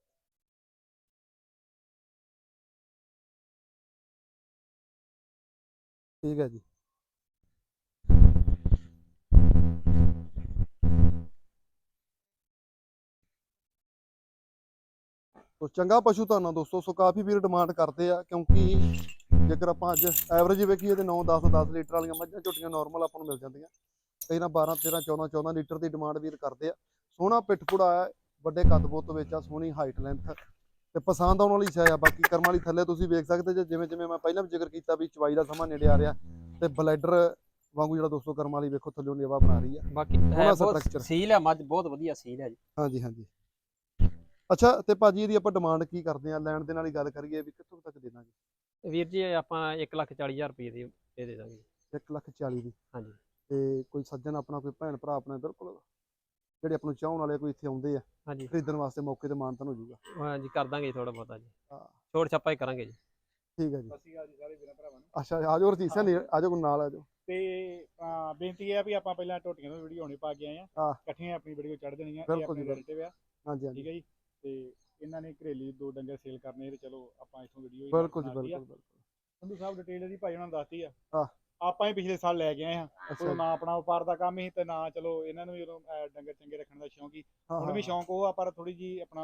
[SPEAKER 1] ਠੀਕ ਹੈ ਜੀ। ਸੋ ਚੰਗਾ ਪਸ਼ੂ ਤੁਹਾਨੂੰ ਦੋਸਤੋ। ਸੋ ਕਾਫੀ ਵੀਰ ਡਿਮਾਂਡ ਕਰਦੇ ਆ, ਕਿਉਂਕਿ ਜੇਕਰ ਆਪਾਂ ਅੱਜ ਐਵਰੇਜ ਵੇਖੀਏ ਤੇ ਨੌ ਦਸ ਦਸ ਲੀਟਰ ਵਾਲੀਆਂ ਮੱਝਾਂ ਝੋਟੀਆਂ ਨਾਰਮਲ ਆਪਾਂ ਨੂੰ ਮਿਲ ਜਾਂਦੀਆਂ, ਕਈ ਨਾ ਬਾਰਾਂ ਤੇਰਾਂ ਚੌਦਾਂ ਚੌਦਾਂ ਲੀਟਰ ਦੀ ਡਿਮਾਂਡ ਵੀਰ ਕਰਦੇ ਆ। ਸੋਹਣਾ ਪਿੱਠ ਪੁੜਾ ਆ, ਵੱਡੇ ਕੱਦ ਬੁੱਤ ਵਿੱਚ ਆ, ਸੋਹਣੀ ਹਾਈਟ ਲੈਂਥ ਤੇ ਪਸੰਦ ਆਉਣ ਵਾਲੀ ਸ਼ੈ ਆ। ਬਾਕੀ ਕਰਮ ਵਾਲੀ ਥੱਲੇ ਤੁਸੀਂ ਵੇਖ ਸਕਦੇ ਜੇ, ਜਿਵੇਂ ਜਿਵੇਂ ਮੈਂ ਪਹਿਲਾਂ ਵੀ ਜ਼ਿਕਰ ਕੀਤਾ ਵੀ ਚਵਾਈ ਦਾ ਸਮਾਂ ਨੇੜੇ ਆ ਰਿਹਾ ਤੇ ਬਲੈਡਰ ਵਾਂਗੂ ਜਿਹੜਾ ਦੋਸਤੋ ਕਰਮ ਵਾਲੀ ਵੇਖੋ ਥੱਲੇ ਲੇਵਾ ਬਣਾ ਰਹੀ ਆ।
[SPEAKER 2] ਬਾਕੀ ਹੈ ਬਹੁਤ ਸੀਲ ਹੈ ਮੱਝ, ਬਹੁਤ ਵਧੀਆ ਸੀਲ ਹੈ ਜੀ।
[SPEAKER 1] ਹਾਂਜੀ ਹਾਂਜੀ। ਅੱਛਾ ਤੇ ਭਾਜੀ ਇਹਦੀ ਆਪਾਂ ਡਿਮਾਂਡ ਕੀ ਕਰਦੇ ਆ, ਲੈਣ ਦੇ ਨਾਲ ਹੀ ਗੱਲ ਕਰੀਏ ਵੀ ਕਿੱਥੋਂ ਤੱਕ ਦੇ ਦਾਂਗੇ?
[SPEAKER 2] ਵੀਰ ਜੀ ਆਪਾਂ ਇੱਕ ਲੱਖ ਚਾਲੀ ਹਜ਼ਾਰ ਰੁਪਏ ਦੀ ਦੇ ਦੇ ਦਾਂਗੇ।
[SPEAKER 1] ਇੱਕ ਲੱਖ ਚਾਲੀ ਦੀ।
[SPEAKER 2] ਹਾਂਜੀ
[SPEAKER 1] ਤੇ ਕੋਈ ਸੱਜਣ ਆਪਣਾ, ਕੋਈ ਭੈਣ ਭਰਾ ਆਪਣਾ ਬਿਲਕੁਲ ਜਿਹੜੇ ਆਪਾਂ ਨੂੰ ਚਾਹਣ ਵਾਲੇ ਕੋਈ ਇੱਥੇ ਆਉਂਦੇ ਆ
[SPEAKER 2] ਹਾਂਜੀ
[SPEAKER 1] ਖਰੀਦਣ ਵਾਸਤੇ, ਮੌਕੇ ਤੇ ਮਾਨਤਾਨ ਹੋ ਜਾਊਗਾ?
[SPEAKER 2] ਹਾਂਜੀ ਕਰ ਦਾਂਗੇ ਥੋੜਾ ਬਹੁਤਾ ਜੀ,
[SPEAKER 1] ਹਾਂ
[SPEAKER 2] ਛੋੜ ਛਾਪਾ ਹੀ ਕਰਾਂਗੇ ਜੀ।
[SPEAKER 1] ਠੀਕ ਹੈ ਜੀ।
[SPEAKER 3] ਅਸੀਂ ਅੱਜ ਸਾਰੇ ਵੀਰਾਂ ਭਰਾਵਾਂ ਨੂੰ
[SPEAKER 1] ਅੱਛਾ ਆਜੋ ਰਜੀਤ ਸਿੰਘ ਆਜੋ ਨਾਲ ਆਜੋ।
[SPEAKER 3] ਤੇ ਅਹ, ਬੇਨਤੀ ਹੈ ਵੀ ਆਪਾਂ ਪਹਿਲਾਂ ਟੋਟੀਆਂ ਤੋਂ ਵੀਡੀਓ ਹੁਣੇ ਪਾ ਕੇ ਆਏ ਆ,
[SPEAKER 1] ਹਾਂ
[SPEAKER 3] ਇਕੱਠੀਆਂ ਆਪਣੀ ਵੀਡੀਓ ਚੜ੍ਹ ਦੇਣੀਆਂ। ਇਹ
[SPEAKER 1] ਬਿਲਕੁਲ
[SPEAKER 3] ਆਪਣੇ
[SPEAKER 1] ਜੀ,
[SPEAKER 3] ਰਿਲੇਟਿਵ ਆ,
[SPEAKER 1] ਹਾਂਜੀ
[SPEAKER 3] ਠੀਕ
[SPEAKER 1] ਹਾਂਜੀ
[SPEAKER 3] ਹੈ ਜੀ। ਤੇ ਇਹਨਾਂ ਨੇ ਘਰੇਲੀ ਦੋ ਡੰਗਰ ਸੇਲ ਕਰਨੇ ਤੇ ਚਲੋ ਆਪਾਂ ਇੱਥੋਂ ਵੀਡੀਓ
[SPEAKER 1] ਬਿਲਕੁਲ ਜੀ ਬਿਲਕੁਲ ਬਿਲਕੁਲ।
[SPEAKER 3] ਸੰਧੂ ਸਾਹਿਬ ਡਿਟੇਲ ਇਹਦੀ ਭਾਈ ਉਹਨਾਂ ਨੂੰ ਦੱਸਤੀ ਆ।
[SPEAKER 1] ਹਾਂ
[SPEAKER 3] ਆਪਾਂ ਹੀ ਪਿਛਲੇ ਸਾਲ ਲੈ ਕੇ ਆਏ ਹਾਂ,
[SPEAKER 1] ਅੱਛਾ
[SPEAKER 3] ਉਦੋਂ ਨਾ ਆਪਣਾ ਵਪਾਰ ਦਾ ਕੰਮ ਹੀ ਤੇ ਨਾ ਚਲੋ ਇਹਨਾਂ ਨੂੰ ਵੀ ਉਦੋਂ ਅਹ, ਡੰਗਰ ਚੰਗੇ ਰੱਖਣ ਦਾ ਸ਼ੌਂਕ ਹੀ।
[SPEAKER 1] ਹਾਂ
[SPEAKER 3] ਹੁਣ
[SPEAKER 1] ਹਾਂ
[SPEAKER 3] ਵੀ ਸ਼ੌਂਕ ਉਹ ਆ, ਪਰ ਥੋੜੀ ਜੀ ਆਪਣਾ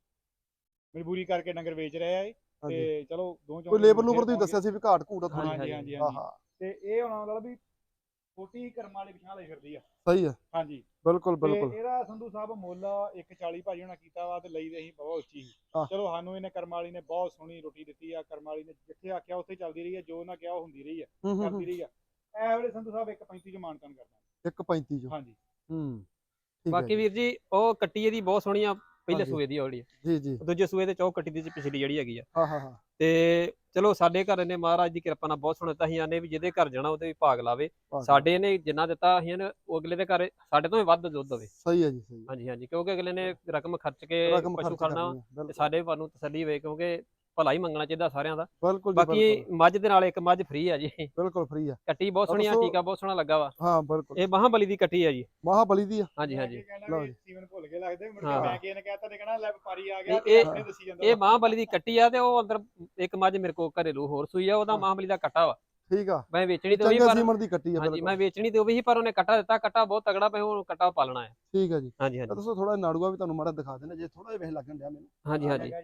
[SPEAKER 3] ਮਜਬੂਰੀ ਕਰਕੇ ਡੰਗਰ ਵੇਚ ਰਹੇ ਆ ਇਹ।
[SPEAKER 1] ਹਾਂਜੀ।
[SPEAKER 3] ਤੇ ਚਲੋ ਦੋ
[SPEAKER 1] ਕੋਈ ਲੇਬਰ ਲੂਬਰ ਦੀ ਦੱਸਿਆ ਸੀ ਵੀ ਘਾਟ ਘੂਟ ਆ ਥੋੜੀ।
[SPEAKER 3] ਹਾਂਜੀ ਹਾਂਜੀ
[SPEAKER 1] ਹਾਂ
[SPEAKER 3] ਹਾਂਜੀ।
[SPEAKER 1] ਹਾਂ
[SPEAKER 3] ਤੇ ਇਹ ਹੁਣ ਮਤਲਬ ਵੀ ਛੋਟੀ ਕਰਮ ਵਾਲੀ ਪਿਛਾਂ ਲਈ ਫਿਰਦੀ ਆ।
[SPEAKER 1] ਸਹੀ ਹੈ
[SPEAKER 3] ਹਾਂਜੀ
[SPEAKER 1] ਬਿਲਕੁਲ
[SPEAKER 3] ਤੇ
[SPEAKER 1] ਬਿਲਕੁਲ।
[SPEAKER 3] ਇਹਦਾ ਸੰਧੂ ਸਾਹਿਬ ਮੁੱਲ ਇੱਕ ਚਾਲੀ ਭਾਜੀ ਹੋਣਾ ਕੀਤਾ ਵਾ ਤੇ ਲਈ ਤੇ ਅਸੀਂ ਬਹੁਤ ਉੱਚੀ ਸੀ।
[SPEAKER 1] ਹਾਂ।
[SPEAKER 3] ਚਲੋ ਸਾਨੂੰ ਇਹਨੇ ਕਰਮ ਵਾਲੀ ਨੇ ਬਹੁਤ ਸੋਹਣੀ ਰੋਟੀ ਦਿੱਤੀ ਆ। ਕਰਮ ਵਾਲੀ ਨੇ ਜਿੱਥੇ ਆਖਿਆ ਉੱਥੇ ਚੱਲਦੀ ਰਹੀ ਹੈ, ਜੋ ਨਾ ਕਿਹਾ ਉਹ ਹੁੰਦੀ ਰਹੀ ਹੈ,
[SPEAKER 1] ਹੂੰ ਹੂੰ
[SPEAKER 3] ਕਰਦੀ ਰਹੀ ਆ। ਇਹ ਵੇਲੇ ਸੰਧੂ ਸਾਹਿਬ ਇੱਕ ਪੈਂਤੀ ਚ ਮਾਨਤਾਨ ਕਰਦਾ।
[SPEAKER 1] ਇੱਕ ਪੈਂਤੀ ਚੋਂ।
[SPEAKER 3] ਹਾਂਜੀ
[SPEAKER 1] ਹੂੰ ਠੀਕ ਹੈ
[SPEAKER 2] ਬਾਕੀ ਵੀਰ ਜੀ ਉਹ ਕੱਟੀ ਇਹਦੀ ਬਹੁਤ ਸੋਹਣੀ ਆ, ਪਹਿਲੇ
[SPEAKER 1] ਹਾਂਜੀ।
[SPEAKER 2] ਸੂਏ ਦੀ ਉਹੜੀ,
[SPEAKER 1] ਜੀ ਜੀ।
[SPEAKER 2] ਦੂਜੇ ਸੂਏ ਦੇ ਚੌਕ ਕੱਟੀ ਦੀ ਪਿਛਲੀ ਜਿਹੜੀ ਹੈਗੀ ਆ।
[SPEAKER 1] ਹਾਂ ਹਾਂ ਹਾਂ
[SPEAKER 2] ਤੇ ਚਲੋ ਸਾਡੇ ਘਰ ਨੇ ਮਹਾਰਾਜ ਦੀ ਕਿਰਪਾ ਨਾਲ ਬਹੁਤ ਸੋਹਣਾ ਦਿੱਤਾ। ਅਸੀਂ ਆਨੇ ਵੀ ਜਿਹਦੇ ਘਰ ਜਾਣਾ ਉਹਦੇ ਵੀ ਭਾਗ ਲਾਵੇ।
[SPEAKER 1] ਭਾਗ
[SPEAKER 2] ਸਾਡੇ ਨੇ ਜਿੰਨਾ ਦਿੱਤਾ ਅਸੀਂ ਇਹਨੂੰ ਉਹ ਅਗਲੇ ਦੇ ਘਰ ਸਾਡੇ ਤੋਂ ਵੀ ਵੱਧ ਦੁੱਧ ਦੇਵੇ।
[SPEAKER 1] ਸਹੀ ਹੈ ਜੀ ਸਹੀ ਹੈ।
[SPEAKER 2] ਹਾਂਜੀ ਹਾਂਜੀ ਕਿਉਂਕਿ ਅਗਲੇ ਨੇ ਰਕਮ ਖਰਚ ਕੇ
[SPEAKER 1] ਰਕਮ
[SPEAKER 2] ਪਸ਼ੂ
[SPEAKER 1] ਖਰਚ
[SPEAKER 2] ਖੜਨਾ
[SPEAKER 1] ਕਰਨੀ ਹੈ
[SPEAKER 2] ਤੇ
[SPEAKER 1] ਬਿਲਕੁਲ
[SPEAKER 2] ਸਾਡੇ ਘਰ ਨੂੰ ਤਸੱਲੀ ਹੋਵੇ, ਕਿਉਂਕਿ ਭਲਾ ਹੀ ਮੰਗਣਾ ਚਾਹੀਦਾ ਸਾਰਿਆਂ ਦਾ।
[SPEAKER 1] ਬਿਲਕੁਲ ਜੀ
[SPEAKER 2] ਬਾਕੀ
[SPEAKER 1] ਬਿਲਕੁਲ
[SPEAKER 2] ਮੱਝ ਦੇ ਨਾਲ ਇੱਕ ਮੱਝ ਫ੍ਰੀ ਆ ਜੀ।
[SPEAKER 1] ਬਿਲਕੁਲ ਫ੍ਰੀ ਆ।
[SPEAKER 2] ਕੱਟੀ ਬਹੁਤ ਸੋਹਣੀ ਆ,
[SPEAKER 1] ਦੱਸੋ-
[SPEAKER 2] ਟੀਕਾ ਬਹੁਤ ਸੋਹਣਾ ਲੱਗਾ ਵਾ।
[SPEAKER 1] ਹਾਂ ਬਿਲਕੁਲ
[SPEAKER 2] ਇਹ ਮਹਾਬਲੀ ਦੀ ਕੱਟੀ ਆ ਜੀ।
[SPEAKER 1] ਮਹਾਬਲੀ ਦੀ ਆ।
[SPEAKER 2] ਹਾਂਜੀ
[SPEAKER 3] ਮੈਂ
[SPEAKER 2] ਹਾਂਜੀ
[SPEAKER 3] ਕੀ ਕਹਿਣਾ
[SPEAKER 1] ਲਓ
[SPEAKER 3] ਵੀ
[SPEAKER 1] ਜੀ।
[SPEAKER 3] ਸੀਵਨ ਭੁੱਲ ਗਏ ਲੱਗਦੇ, ਮੁੜ ਕੇ
[SPEAKER 2] ਹਾਂ।
[SPEAKER 3] ਮੈਂ ਕੀ ਇਹਨੇ ਕਹਿਤਾ ਤੇ ਕਹਿਣਾ ਲੈ ਵਪਾਰੀ ਆ ਗਿਆ
[SPEAKER 2] ਇਹ-
[SPEAKER 3] ਤੇ
[SPEAKER 2] ਇਹ-
[SPEAKER 3] ਆਪਣੇ ਦੱਸੀ ਜਾਂਦਾ
[SPEAKER 2] ਇਹ
[SPEAKER 3] ਵਾ।
[SPEAKER 2] ਮਹਾਬਲੀ ਦੀ ਕੱਟੀ ਆ ਤੇ ਉਹ ਅੰਦਰ ਇੱਕ ਮੱਝ ਮੇਰੇ ਕੋਲ ਘਰੇਲੂ ਹੋਰ ਸੂਈ ਆ, ਉਹਦਾ
[SPEAKER 1] ਹਾਂ।
[SPEAKER 2] ਮਹਾਬਲੀ ਦਾ ਕੱਟਾ ਵਾ।
[SPEAKER 1] ਠੀਕ ਆ।
[SPEAKER 2] ਮੈਂ ਵੇਚਣੀ ਤੇ ਉਹੀ
[SPEAKER 1] ਚੰਗੇ
[SPEAKER 2] ਪਰ
[SPEAKER 1] ਸੀਮਨ ਦੀ ਕੱਟੀ ਆ
[SPEAKER 2] ਹਾਂਜੀ
[SPEAKER 1] ਬਿਲਕੁਲ।
[SPEAKER 2] ਮੈਂ ਵੇਚਣੀ ਤੇ ਉਹ ਵੀ, ਪਰ ਉਹਨੇ ਕੱਟਾ ਦਿੱਤਾ। ਕੱਟਾ ਬਹੁਤ ਤਗੜਾ ਪਿਆ, ਉਹ ਕੱਟਾ ਪਾਲਣਾ ਹੈ।
[SPEAKER 1] ਠੀਕ ਹੈ ਜੀ।
[SPEAKER 2] ਹਾਂਜੀ
[SPEAKER 1] ਤਾਂ
[SPEAKER 2] ਹਾਂਜੀ
[SPEAKER 1] ਦੱਸੋ ਥੋੜਾ ਨਾੜੂਆ ਵੀ ਤੁਹਾਨੂੰ ਮਾੜਾ ਦਿਖਾ ਦੇਣਾ ਜੇ ਥੋੜਾ ਜਿਹਾ ਵੇਖ ਲੱਗਣ ਡਿਆ ਮੈਨੂੰ।
[SPEAKER 2] ਹਾਂਜੀ
[SPEAKER 3] ਆ
[SPEAKER 2] ਹਾਂਜੀ
[SPEAKER 3] ਹੈਗਾ ਜੀ,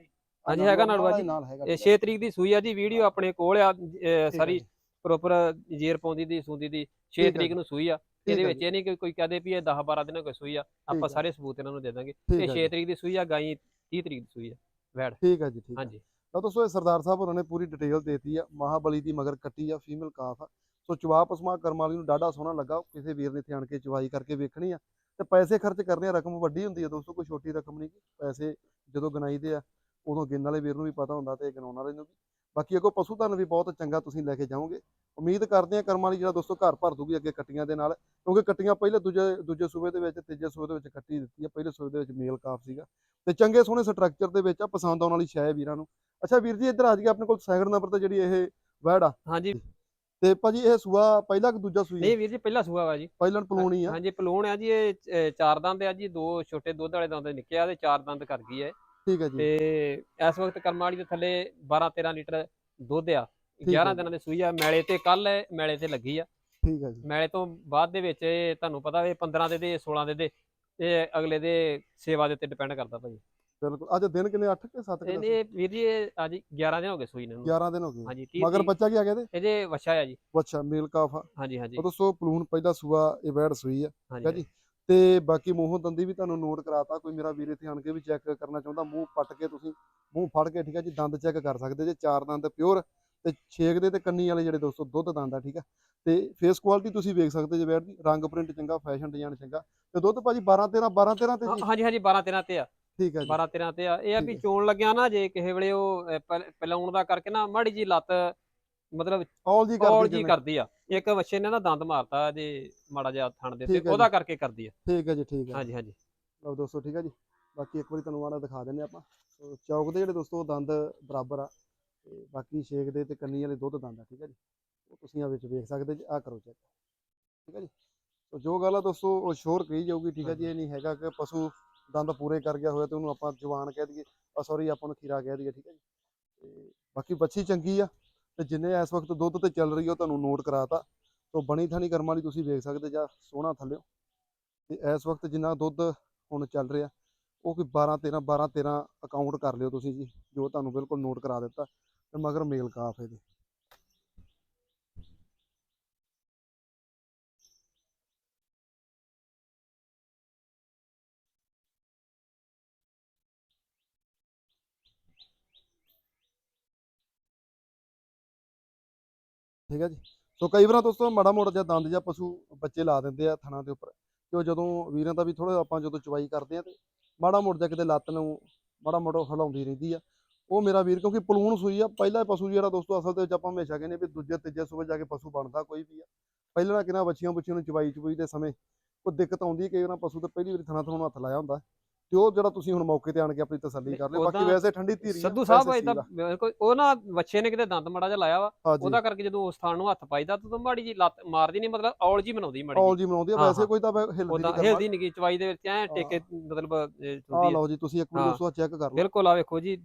[SPEAKER 2] ਹਾਂਜੀ ਹੈਗਾ ਨਾੜੂਆ
[SPEAKER 1] ਨਾਲ
[SPEAKER 2] ਜੀ।
[SPEAKER 1] ਨਾਲ ਹੈਗਾ
[SPEAKER 2] ਇਹ ਛੇ ਤਰੀਕ ਦੀ ਸੂਈ ਆ ਜੀ, ਵੀਡੀਓ ਆਪਣੇ ਕੋਲ ਆ ਅਹ
[SPEAKER 1] ਠੀਕ
[SPEAKER 2] ਸਾਰੀ
[SPEAKER 1] ਹੈ ਜੀ,
[SPEAKER 2] ਪ੍ਰੋਪਰ ਜੇਰ ਪਾਉਂਦੀ ਦੀ ਸੂੰਦੀ ਦੀ ਛੇ
[SPEAKER 1] ਠੀਕ ਹੈ
[SPEAKER 2] ਤਰੀਕ
[SPEAKER 1] ਜੀ,
[SPEAKER 2] ਨੂੰ ਸੂਈ ਆ।
[SPEAKER 1] ਠੀਕ
[SPEAKER 2] ਇਹਦੇ
[SPEAKER 1] ਹੈ
[SPEAKER 2] ਵਿੱਚ
[SPEAKER 1] ਜੀ,
[SPEAKER 2] ਇਹ ਨਹੀਂ ਕਿ ਕੋਈ ਕਹਦੇ ਵੀ ਇਹ ਦਸ ਬਾਰਾਂ ਦਿਨਾਂ ਕੋਈ ਸੂਈ ਆ, ਆਪਾਂ
[SPEAKER 1] ਠੀਕ ਹੈ
[SPEAKER 2] ਸਾਰੇ ਸਬੂਤ ਇਹਨਾਂ ਨੂੰ ਦੇ ਦਾਂਗੇ।
[SPEAKER 1] ਠੀਕ
[SPEAKER 2] ਇਹ
[SPEAKER 1] ਹੈ
[SPEAKER 2] ਛੇ
[SPEAKER 1] ਜੀ,
[SPEAKER 2] ਤਰੀਕ ਦੀ ਸੂਈ ਆ, ਗਾਈ ਤੀਹ ਤਰੀਕ ਦੀ ਸੂਈ ਆ ਵੈੜ।
[SPEAKER 1] ਠੀਕ ਹੈ ਜੀ, ਠੀਕ ਹੈ।
[SPEAKER 2] ਹਾਂਜੀ
[SPEAKER 1] ਤਾਂ ਦੋਸਤੋ ਇਹ ਸਰਦਾਰ ਸਾਹਿਬ ਉਹਨਾਂ ਨੇ ਪੂਰੀ ਡਿਟੇਲ ਦੇਤੀ ਆ, ਮਹਾਬਲੀ ਦੀ ਮਗਰ ਕੱਟੀ ਆ, ਫੀਮੇਲ ਕਾਫ ਆ। ਸੋ ਚਵਾ ਪਸਮਾ ਕਰਮ ਵਾਲੀ ਨੂੰ ਡਾਢਾ ਸੋਹਣਾ ਲੱਗਾ, ਕਿਸੇ ਵੀਰ ਨੇ ਇੱਥੇ ਆਣ ਕੇ ਚਵਾਈ ਕਰਕੇ ਵੇਖਣੀ ਆ ਤੇ ਪੈਸੇ ਖਰਚ ਕਰਨੇ ਆ। ਰਕਮ ਵੱਡੀ ਹੁੰਦੀ ਆ ਦੋਸਤੋ, ਕੋਈ ਛੋਟੀ ਰਕਮ ਨਹੀਂ। ਪੈਸੇ ਜਦੋਂ ਗਿਣਾਈਦੇ ਆ ਉਦੋਂ ਗਿਣਨ ਵਾਲੇ ਵੀਰ ਨੂੰ ਵੀ ਪਤਾ ਹੁੰਦਾ ਤੇ ਗਿਣਾਉਣ ਵਾਲੇ ਨੂੰ ਵੀ। ਬਾਕੀ ਅੱਗੋਂ ਪਸ਼ੂ ਧਨ ਵੀ ਬਹੁਤ ਚੰਗਾ ਤੁਸੀਂ ਲੈ ਕੇ ਜਾਓਗੇ। ਉਮੀਦ ਕਰਦੇ ਆ ਕਰਮ ਵਾਲੀ ਜਿਹੜਾ ਦੋਸਤੋ ਘਰ ਭਰ ਦੂਗੀ ਅੱਗੇ ਕੱਟੀਆਂ ਦੇ ਨਾਲ, ਕਿਉਂਕਿ ਕੱਟੀਆਂ ਪਹਿਲੇ ਦੂਜੇ ਦੂਜੇ ਸੂਬੇ ਦੇ ਵਿੱਚ, ਤੀਜੇ ਸੂਬੇ ਦੇ ਵਿੱਚ ਕੱਟੀ ਦਿੱਤੀ ਆ। ਪਹਿਲੇ ਸੂਬੇ ਦੇ ਵਿੱਚ ਮੇਲ ਕਾਫ ਸੀਗਾ ਤੇ ਚੰਗੇ ਸੋਹਣੇ ਸਟਰਕਚਰ ਦੇ ਵਿੱਚ ਆ, ਪਸੰਦ ਆਉਣ ਵਾਲੀ ਸ਼ੈ ਵੀਰਾਂ ਨੂੰ। ਅੱਛਾ ਵੀਰ ਜੀ ਇੱਧਰ ਆ ਜਾਈਏ, ਆਪਣੇ ਕੋਲ ਸੈਕਿੰਡ ਨੰਬਰ ਤੇ ਜਿਹੜੀ ਇਹ ਵੈੜ ਆ,
[SPEAKER 2] ਹਾਂਜੀ।
[SPEAKER 1] ਤੇ ਭਾਜੀ ਇਹ ਸੂਆ ਪਹਿਲਾ ਕਿ ਦੂਜਾ ਸੂਈ ਹੈ?
[SPEAKER 2] ਨਹੀਂ ਵੀਰ ਜੀ ਪਹਿਲਾ ਸੂਆ ਵਾ ਜੀ।
[SPEAKER 1] ਪਹਿਲਾਂ ਪਲੂਣੀ ਆ।
[SPEAKER 2] ਹਾਂਜੀ ਪਲੂਣ ਆ ਜੀ। ਇਹ ਅਹ, ਚਾਰ ਦੰਦ ਆ ਜੀ, ਦੋ ਛੋਟੇ ਦੁੱਧ ਵਾਲੇ ਦੰਦ ਨਿੱਕੇ ਆ ਤੇ ਚਾਰ ਦੰਦ ਕਰ ਗਈ ਹੈ।
[SPEAKER 1] ਠੀਕ ਹੈ ਜੀ,
[SPEAKER 2] ਤੇ ਇਸ ਵਕਤ ਕਰਮ ਵਾਲੀ ਦੇ ਥੱਲੇ ਬਾਰਾਂ ਤੇਰਾਂ ਲੀਟਰ ਦੁੱਧ ਆ।
[SPEAKER 1] ਹੈ
[SPEAKER 2] ਗਿਆਰਾਂ
[SPEAKER 1] ਜੀ।
[SPEAKER 2] ਦਿਨਾਂ ਦੀ ਸੂਈ ਆ। ਮੈਲੇ ਤੇ ਕੱਲ ਮੈਲੇ ਤੇ ਲੱਗੀ ਆ।
[SPEAKER 1] ਠੀਕ ਹੈ ਜੀ,
[SPEAKER 2] ਮੈਲੇ ਤੋਂ ਬਾਅਦ ਦੇ ਵਿੱਚ ਇਹ ਤੁਹਾਨੂੰ ਪਤਾ ਇਹ ਪੰਦਰਾਂ ਦੇ ਦੇ ਸੋਲਾਂ ਦੇ ਦੇ ਇਹ ਅਗਲੇ ਦੇ ਸੇਵਾ ਦੇ ਉੱਤੇ ਡਿਪੈਂਡ ਕਰਦਾ ਭਾਜੀ।
[SPEAKER 1] ਬਿਲਕੁਲ। ਅੱਜ ਦਿਨ ਕਿੰਨੇ, ਅੱਠ ਕਿ ਸੱਤ ਕਿ ਦਸ?
[SPEAKER 2] ਇਹਨੇ ਵੀਰ ਜੀ ਇਹ ਅੱਜ ਗਿਆਰਾਂ ਦਿਨ ਹੋ ਗਏ ਸੂਈ ਨੂੰ।
[SPEAKER 1] ਗਿਆਰਾਂ ਦਿਨ ਹੋ ਗਏ।
[SPEAKER 2] ਹਾਂਜੀ ਤੀਹ
[SPEAKER 1] ਮਗਰ
[SPEAKER 2] ਤਰੀਕ
[SPEAKER 1] ਬੱਚਾ ਕੀ ਆ ਗਿਆ ਇਹਦੇ?
[SPEAKER 2] ਇਹਦੇ ਵਛਾ ਆ ਜੀ।
[SPEAKER 1] ਅੱਛਾ ਮੇਲ ਕਾਫ ਆ।
[SPEAKER 2] ਹਾਂਜੀ ਹਾਂਜੀ
[SPEAKER 1] ਉਹ ਦੋਸਤੋ ਪਲੂਣ ਪਹਿਲਾ ਸੂਆ ਇਹ ਵੈੜ ਸੂਈ ਆ, ਠੀਕ ਹੈ
[SPEAKER 2] ਹਾਂਜੀ
[SPEAKER 1] ਜੀ। ਤੇ ਬਾਕੀ ਮੂੰਹੋਂ ਦੰਦੀ ਵੀ ਤੁਹਾਨੂੰ ਨੋਟ ਕਰਾਤਾ। ਕੋਈ ਮੇਰਾ ਵੀਰ ਇੱਥੇ ਆਣ ਕੇ ਵੀ ਚੈੱਕ ਕਰਨਾ ਚਾਹੁੰਦਾ, ਮੂੰਹ ਪੱਟ ਕੇ ਤੁਸੀਂ ਮੂੰਹ ਫੜ ਕੇ, ਠੀਕ ਹੈ ਜੀ, ਦੰਦ ਚੈੱਕ ਕਰ ਸਕਦੇ ਜੇ। ਚਾਰ ਦੰਦ ਪਿਓਰ ਤੇ ਛੇਕ ਦੇ ਤੇ ਕੰਨੀ ਵਾਲੇ ਜਿਹੜੇ ਦੋਸਤੋ ਦੁੱਧ ਦੰਦ ਆ, ਠੀਕ ਆ। ਤੇ ਫੇਸ ਕੁਆਲਿਟੀ ਤੁਸੀਂ ਵੇਖ ਸਕਦੇ ਜੇ ਵੈੜ ਦੀ, ਰੰਗ ਪ੍ਰਿੰਟ ਚੰਗਾ, ਫੈਸ਼ਨ ਡਿਜ਼ਾਈਨ ਚੰਗਾ ਤੇ ਦੁੱਧ ਭਾਜੀ ਬਾਰਾਂ ਤੇਰਾਂ ਬਾਰਾਂ ਤੇਰਾਂ ਤੇ
[SPEAKER 2] ਹਾਂ-
[SPEAKER 1] ਜੀ।
[SPEAKER 2] ਹਾਂਜੀ ਹਾਂਜੀ ਬਾਰਾਂ ਤੇਰਾਂ ਤੇ ਆ।
[SPEAKER 1] ਠੀਕ ਹੈ ਜੀ,
[SPEAKER 2] ਬਾਰਾਂ ਤੇਰਾਂ ਤੇ ਆ। ਇਹ ਆ
[SPEAKER 1] ਠੀਕ
[SPEAKER 2] ਵੀ
[SPEAKER 1] ਹੈ।
[SPEAKER 2] ਚੋਣ ਲੱਗਿਆ ਨਾ ਜੇ ਕਿਸੇ ਵੇਲੇ ਉਹ ਅਹ, ਪਹਿ- ਪਲਾਉਣ ਦਾ ਕਰਕੇ ਨਾ ਮਾੜੀ ਜੀ ਲੱਤ ਮਤਲਬ
[SPEAKER 1] ਔਲ ਜੀ
[SPEAKER 2] ਕੌਲ
[SPEAKER 1] ਕਰਦੀ
[SPEAKER 2] ਜੀ
[SPEAKER 1] ਜਿਵੇਂ।
[SPEAKER 2] ਕਰਦੀ ਆ। ਇੱਕ ਵੱਛੇ ਨੇ ਨਾ ਦੰਦ ਮਾਰਤਾ ਜੇ ਮਾੜਾ ਜਿਹਾ ਥਣ ਦੇ ਉੱਤੇ,
[SPEAKER 1] ਠੀਕ ਹੈ
[SPEAKER 2] ਉਹਦਾ
[SPEAKER 1] ਜੀ,
[SPEAKER 2] ਕਰਕੇ ਕਰਦੀ ਆ।
[SPEAKER 1] ਠੀਕ ਹੈ ਜੀ, ਠੀਕ ਹੈ।
[SPEAKER 2] ਹਾਂਜੀ ਹਾਂਜੀ
[SPEAKER 1] ਲਓ ਦੋਸਤੋ, ਠੀਕ ਹੈ ਜੀ। ਬਾਕੀ ਇੱਕ ਵਾਰੀ ਤੁਹਾਨੂੰ ਆੜਾ ਦਿਖਾ ਦਿੰਦੇ ਆਪਾਂ। ਸੋ ਚੌਕ ਦੇ ਜਿਹੜੇ ਦੋਸਤੋ ਦੰਦ ਬਰਾਬਰ ਆ ਤੇ ਬਾਕੀ ਛੇਕ ਦੇ ਤੇ ਕੰਨੀ ਵਾਲੇ ਦੁੱਧ ਦੰਦ ਆ, ਠੀਕ ਹੈ ਜੀ। ਉਹ ਤੁਸੀਂ ਆ ਵਿੱਚ ਵੇਖ ਸਕਦੇ ਜੀ, ਆ ਕਰੋ ਚੈੱਕ, ਠੀਕ ਹੈ ਜੀ। ਸੋ ਜੋ ਗੱਲ ਆ ਦੋਸਤੋ ਉਹ ਸ਼ੋਰ ਕਹੀ ਜਾਊਗੀ, ਠੀਕ ਹੈ ਜੀ। ਇਹ ਨਹੀਂ ਹੈਗਾ ਕਿ ਪਸ਼ੂ ਦੰਦ ਪੂਰੇ ਕਰ ਗਿਆ ਹੋਇਆ ਤੇ ਉਹਨੂੰ ਆਪਾਂ ਜਵਾਨ ਕਹਿ ਦਈਏ, ਆ ਸੌਰੀ ਆਪਾਂ ਨੂੰ ਖੀਰਾ ਕਹਿ ਦਈਏ, ਠੀਕ ਹੈ ਜੀ। ਤੇ ਬਾਕੀ ਬੱਚੀ ਚੰਗੀ ਆ ਤੇ ਜਿੰਨੇ ਇਸ ਵਕਤ ਦੁੱਧ ਤੇ ਚੱਲ ਰਹੀ ਉਹ ਤੁਹਾਨੂੰ ਨੋਟ ਕਰਾਤਾ। ਸੋ ਬਣੀ ਥਾਣੀ ਕਰਮ ਵਾਲੀ ਤੁਸੀਂ ਵੇਖ ਸਕਦੇ ਜਾਂ ਸੋਹਣਾ ਥੱਲਿਓ। ਤੇ ਇਸ ਵਕਤ ਜਿੰਨਾ ਦੁੱਧ ਹੁਣ ਚੱਲ ਰਿਹਾ ਉਹ ਕੋਈ ਬਾਰਾਂ ਤੇਰਾਂ ਬਾਰਾਂ ਤੇਰਾਂ ਅਕਾਊਂਟ ਕਰ ਲਿਓ ਤੁਸੀਂ ਜੀ, ਜੋ ਤੁਹਾਨੂੰ ਬਿਲਕੁਲ ਨੋਟ ਕਰਾ ਦਿੱਤਾ। ਤੇ ਮਗਰ ਮੇਲ ਕਾਫ ਇਹਦੇ। ਠੀਕ ਹੈ ਜੀ। ਸੋ ਕਈ ਵਾਰ ਦੋਸਤੋ ਮਾੜਾ ਮੋਟਾ ਜਿਹਾ ਦੰਦ ਜਾਂ ਪਸ਼ੂ ਬੱਚੇ ਲਾ ਦਿੰਦੇ ਆ ਥਣਾ ਦੇ ਉੱਪਰ, ਤੇ ਉਹ ਜਦੋਂ ਵੀਰਾਂ ਦਾ ਵੀ ਥੋੜਾ ਆਪਾਂ ਜਦੋਂ ਚਵਾਈ ਕਰਦੇ ਆ ਤੇ ਮਾੜਾ ਮੋਟਾ ਜਿਹਾ ਕਿਤੇ ਲੱਤ ਨੂੰ ਮਾੜਾ ਮੋਟਾ ਹਿਲਾਉਂਦੀ ਰਹਿੰਦੀ ਆ। ਉਹ ਮੇਰਾ ਵੀਰ, ਕਿਉਂਕਿ ਪਲੂਣ ਸੂਈ ਆ, ਪਹਿਲਾ ਪਸ਼ੂ ਜਿਹੜਾ ਦੋਸਤੋ ਅਸਲ ਦੇ ਵਿੱਚ ਆਪਾਂ ਹਮੇਸ਼ਾ ਕਹਿੰਦੇ ਵੀ ਦੂਜੇ ਤੀਜੇ ਸੂਬੇ ਜਾ ਕੇ ਪਸ਼ੂ ਬਣਦਾ ਕੋਈ ਵੀ ਆ। ਪਹਿਲਾਂ ਕਿਨਾਂ ਬੱਚੀਆਂ ਬੁੱਚੀਆਂ ਨੂੰ ਚਵਾਈ ਚਵਾਈ ਦੇ ਸਮੇਂ ਕੋਈ ਦਿੱਕਤ ਆਉਂਦੀ, ਕਈ ਵਾਰ ਪਸ਼ੂ ਤੇ ਪਹਿਲੀ ਵਾਰੀ ਥਣਾ ਥਣਾ ਹੱਥ ਲਾਇਆ ਹੁੰਦਾ, ਤੇ ਉਹ ਜਿਹੜਾ ਤੁਸੀਂ ਹੁਣ ਮੌਕੇ ਤੇ ਆਣ ਕੇ ਆਪਣੀ ਤਸੱਲੀ ਕਰ ਲਿਓ। ਬਾਕੀ
[SPEAKER 2] ਉਦਾਂ
[SPEAKER 1] ਵੈਸੇ ਠੰਡੀ ਧੀਰੀ ਆ,
[SPEAKER 2] ਸੰਧੂ ਸਾਹਿਬ
[SPEAKER 1] ਵੈਸੇ
[SPEAKER 2] ਏਦਾਂ
[SPEAKER 1] ਸੀਲ ਆ।
[SPEAKER 2] ਬਿਲਕੁਲ ਉਹ ਨਾ ਵੱਛੇ ਨੇ ਕਿਤੇ ਦੰਦ ਮਾੜਾ ਜਿਹਾ ਲਾਇਆ ਵਾ,
[SPEAKER 1] ਹਾਂਜੀ,
[SPEAKER 2] ਉਹਦਾ ਕਰਕੇ ਜਦੋਂ ਉਸ ਥਾਂ ਨੂੰ ਹੱਥ ਪਾਈਦਾ ਤਾਂ ਮਾੜੀ ਜੀ ਲੱਤ ਮਾਰਦੀ ਨਹੀਂ, ਮਤਲਬ ਔਲ ਜੀ ਬਣਾਉਂਦੀ ਮਾੜੀ
[SPEAKER 1] ਔਲ
[SPEAKER 2] ਜੀ।
[SPEAKER 1] ਜੀ ਬਣਾਉਂਦੀ ਆ।
[SPEAKER 2] ਹਾਂ
[SPEAKER 1] ਵੈਸੇ
[SPEAKER 2] ਹਾਂ
[SPEAKER 1] ਕੋਈ ਤਾਂ ਹਿਲਦੀ
[SPEAKER 2] ਉਦਾਂ
[SPEAKER 1] ਨਹੀਂ ਕਰਮ
[SPEAKER 2] ਹਿਲਦੀ ਨਹੀਂ ਗਈ ਚਵਾਈ ਦੇ ਵਿੱਚ, ਐ ਟੇਕੇ
[SPEAKER 1] ਹਾਂ।
[SPEAKER 2] ਮਤਲਬ ਅਹ,
[SPEAKER 1] ਆ
[SPEAKER 2] ਹੁੰਦੀ ਆ।
[SPEAKER 1] ਲਓ ਜੀ, ਤੁਸੀਂ ਇੱਕ ਵਾਰੀ
[SPEAKER 2] ਹਾਂ
[SPEAKER 1] ਦੋਸਤੋ ਚੈੱਕ ਕਰ ਲਓ।
[SPEAKER 2] ਬਿਲਕੁਲ ਆ ਵੇਖੋ ਜੀ,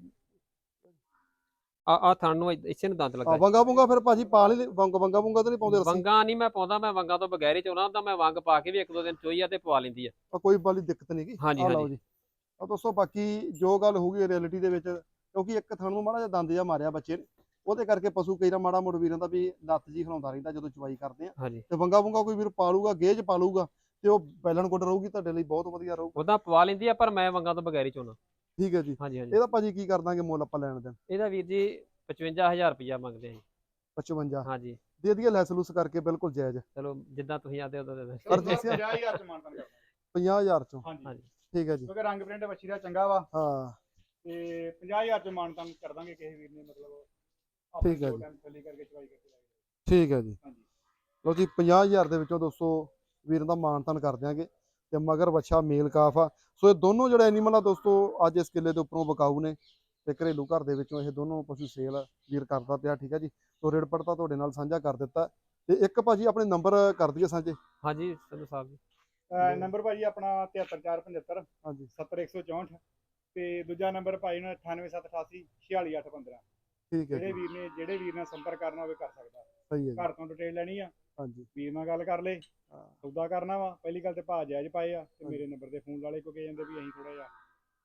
[SPEAKER 2] ਆ ਆ ਥਣ ਨੂੰ ਇਸੇ ਨੂੰ ਦੰਦ
[SPEAKER 1] ਆ
[SPEAKER 2] ਲੱਗਾ।
[SPEAKER 1] ਵੰਗਾ ਵੁੰਗਾ ਫਿਰ ਭਾਜੀ ਪਾ ਲਈ ਵੰਗ ਵੰਗਾ ਵੁੰਗਾ ਤਾਂ ਨਹੀਂ ਪਾਉਂਦੇ ਰੱਸੀ?
[SPEAKER 2] ਵੰਗਾ ਨਹੀਂ ਮੈਂ ਪਾਉਂਦਾ, ਮੈਂ ਵੰਗਾ ਤੋਂ ਬਗੈਰ ਹੀ ਚਾਹੁੰਦਾ ਤਾਂ ਮੈਂ ਵੰਗ ਪਾ ਕੇ ਵੀ ਇੱਕ ਦੋ ਦਿਨ ਚੋਈ ਆ ਤੇ ਪਵਾ ਲੈਂਦੀ ਆ।
[SPEAKER 1] ਆ ਕੋਈ ਵਾਲੀ ਦਿੱਕਤ ਨਹੀਂ ਗੀ।
[SPEAKER 2] ਹਾਂਜੀ
[SPEAKER 1] ਆ ਲਓ
[SPEAKER 2] ਹਾਂਜੀ
[SPEAKER 1] ਜੀ। ਆ ਦੋਸਤੋ ਬਾਕੀ ਜੋ ਗੱਲ ਹੋਊਗੀ ਰਿਐਲਿਟੀ ਦੇ ਵਿੱਚ, ਕਿਉਂਕਿ ਇੱਕ ਥਣ ਨੂੰ ਮਾੜਾ ਜਿਹਾ ਦੰਦ ਜਿਹਾ ਮਾਰਿਆ ਬੱਚੇ ਨੇ, ਉਹਦੇ ਕਰਕੇ ਪਸ਼ੂ ਕਈ ਨਾ ਮਾੜਾ ਮੋੜ ਵੀਰਾਂ ਦਾ ਵੀ ਲੱਤ ਜੀ ਹਿਲਾਉਂਦਾ ਰਹਿੰਦਾ ਜਦੋਂ ਚਵਾਈ ਕਰਦੇ ਆ।
[SPEAKER 2] ਹਾਂਜੀ
[SPEAKER 1] ਤੇ ਵੰਗਾ ਵੁੰਗਾ ਕੋਈ ਵੀਰ ਪਾ ਲੂਗਾ, ਗੇਜ ਪਾ ਲੂਗਾ ਤੇ ਉਹ ਬੈਲਨ ਗੁੱਡ ਰਹੂਗੀ, ਤੁਹਾਡੇ ਲਈ ਬਹੁਤ ਵਧੀਆ ਰਹੂਗਾ।
[SPEAKER 2] ਉਹਦਾ ਪਵਾ ਲੈਂਦੀ ਆ, ਪਰ ਮੈਂ ਵੰਗਾ ਤੋਂ ਬਗੈਰ ਹੀ ਚਾਹੁੰਦਾ।
[SPEAKER 1] ਠੀਕ ਹੈ ਜੀ।
[SPEAKER 2] ਹਾਂਜੀ ਹਾਂਜੀ
[SPEAKER 1] ਇਹਦਾ ਭਾਜੀ ਕੀ ਕਰ ਦਾਂਗੇ ਮੁੱਲ ਆਪਾਂ ਲੈਣ ਦੇਣ?
[SPEAKER 2] ਇਹਦਾ ਵੀਰ ਜੀ ਪਚਵੰਜਾ ਹਜ਼ਾਰ ਰੁਪਇਆ ਮੰਗਦੇ ਆ ਜੀ।
[SPEAKER 1] ਪਚਵੰਜਾ
[SPEAKER 2] ਹਾਂਜੀ
[SPEAKER 1] ਦੇ ਦਈਏ, ਲੈਸ ਲੂਸ ਕਰਕੇ ਬਿਲਕੁਲ ਜਾਇਜ਼।
[SPEAKER 2] ਚਲੋ ਜਿੱਦਾਂ ਤੁਸੀਂ ਆਦੇ ਉਦੋਂ ਦੇ ਦਿਓ।
[SPEAKER 1] ਪਰ ਦੱਸਿਆ
[SPEAKER 3] ਪੰਜਾਹ ਹਜ਼ਾਰ ਚ ਮਾਨਤਾਨ ਕਰਦਾ।
[SPEAKER 1] ਪੰਜਾਹ ਹਜ਼ਾਰ ਚੋਂ।
[SPEAKER 3] ਹਾਂਜੀ
[SPEAKER 2] ਹਾਂਜੀ
[SPEAKER 1] ਠੀਕ ਹੈ ਜੀ।
[SPEAKER 3] ਕਿਉਂਕਿ ਰੰਗ ਪ੍ਰਿੰਟ ਵੱਛੀ ਦਾ ਚੰਗਾ ਵਾ
[SPEAKER 1] ਹਾਂ
[SPEAKER 3] ਤੇ ਪੰਜਾਹ ਹਜ਼ਾਰ ਚ ਮਾਨਤਾਨ ਕਰ ਦਾਂਗੇ ਕਿਸੇ ਵੀਰ ਨੇ, ਮਤਲਬ
[SPEAKER 1] ਠੀਕ ਹੈ
[SPEAKER 3] ਦੋ
[SPEAKER 1] ਜੀ।
[SPEAKER 3] ਟਾਈਮ ਥੱਲੀ ਕਰਕੇ ਚਵਾਈ ਕਰਕੇ ਲੈ ਜਾਓ।
[SPEAKER 1] ਠੀਕ ਹੈ ਜੀ।
[SPEAKER 3] ਹਾਂਜੀ
[SPEAKER 1] ਲਓ ਜੀ, ਪੰਜਾਹ ਹਜ਼ਾਰ ਦੇ ਵਿੱਚੋਂ ਦੋਸਤੋ ਵੀਰਾਂ ਦਾ ਮਾਨਤਾਨ ਕਰ ਦਿਆਂਗੇ। ਤੇ ਮਗਰ ਬੱਚਾ ਮੇਲ ਕਾਫ ਆ। ਸੋ ਇਹ ਦੋਨੋਂ ਜਿਹੜੇ ਐਨੀਮਲ ਆ ਦੋਸਤੋ ਅੱਜ ਇਸ ਕਿੱਲੇ ਦੇ ਉੱਪਰੋਂ ਵਿਕਾਊ ਨੇ ਤੇ ਘਰੇਲੂ ਘਰ ਦੇ ਵਿੱਚੋਂ ਇਹ ਦੋਨੋਂ ਪਸ਼ੂ ਸੇਲ ਵੀਰ ਕਰਦਾ ਪਿਆ, ਠੀਕ ਹੈ ਜੀ। ਸੋ ਰੇਟ ਪੜਤਾ ਤੁਹਾਡੇ ਨਾਲ ਸਾਂਝਾ ਕਰ ਦਿੱਤਾ। ਤੇ ਇੱਕ ਭਾਜੀ ਆਪਣੇ ਨੰਬਰ ਕਰ ਦਈਏ ਸਾਂਝੇ।
[SPEAKER 2] ਹਾਂਜੀ ਸੰਧੂ ਸਾਹਿਬ ਜੀ।
[SPEAKER 3] ਅਹ ਨੰਬਰ ਭਾਜੀ ਆਪਣਾ ਤਿਹੱਤਰ ਚਾਰ ਪੰਜੱਤਰ
[SPEAKER 1] ਹਾਂਜੀ
[SPEAKER 3] ਸੱਤਰ ਇੱਕ ਸੌ ਚੌਂਹਠ ਤੇ ਦੂਜਾ ਨੰਬਰ ਭਾਈ ਨੇ ਅਠਾਨਵੇਂ ਸੱਤ ਅਠਾਸੀ ਛਿਆਲੀ ਅੱਠ ਪੰਦਰਾਂ।
[SPEAKER 1] ਠੀਕ ਹੈ
[SPEAKER 3] ਜਿਹੜੇ
[SPEAKER 1] ਜੀ।
[SPEAKER 3] ਵੀਰ ਨੇ ਜਿਹੜੇ ਵੀਰ ਨਾਲ ਸੰਪਰਕ ਕਰਨਾ ਹੋਵੇ ਕਰ ਸਕਦਾ।
[SPEAKER 1] ਸਹੀ ਹੈ ਜੀ।
[SPEAKER 3] ਘਰ ਤੋਂ ਡਿਟੇਲ ਲੈਣੀ ਆ,
[SPEAKER 1] ਹਾਂਜੀ
[SPEAKER 3] ਵੀਰ ਨਾਲ ਗੱਲ ਕਰ ਲੇ,
[SPEAKER 1] ਹਾਂ,
[SPEAKER 3] ਸੌਦਾ ਕਰਨਾ ਵਾ, ਪਹਿਲੀ ਗੱਲ ਤੇ ਭਾਅ ਜਾਇਜ਼ ਪਾਏ ਆ ਤੇ
[SPEAKER 1] ਹਾਂਜੀ।
[SPEAKER 3] ਮੇਰੇ ਨੰਬਰ ਤੇ ਫੋਨ ਲਾ ਲੇ, ਕਿਉਂਕਿ ਜਾਂਦੇ ਵੀ ਅਸੀਂ ਥੋੜਾ ਜਿਹਾ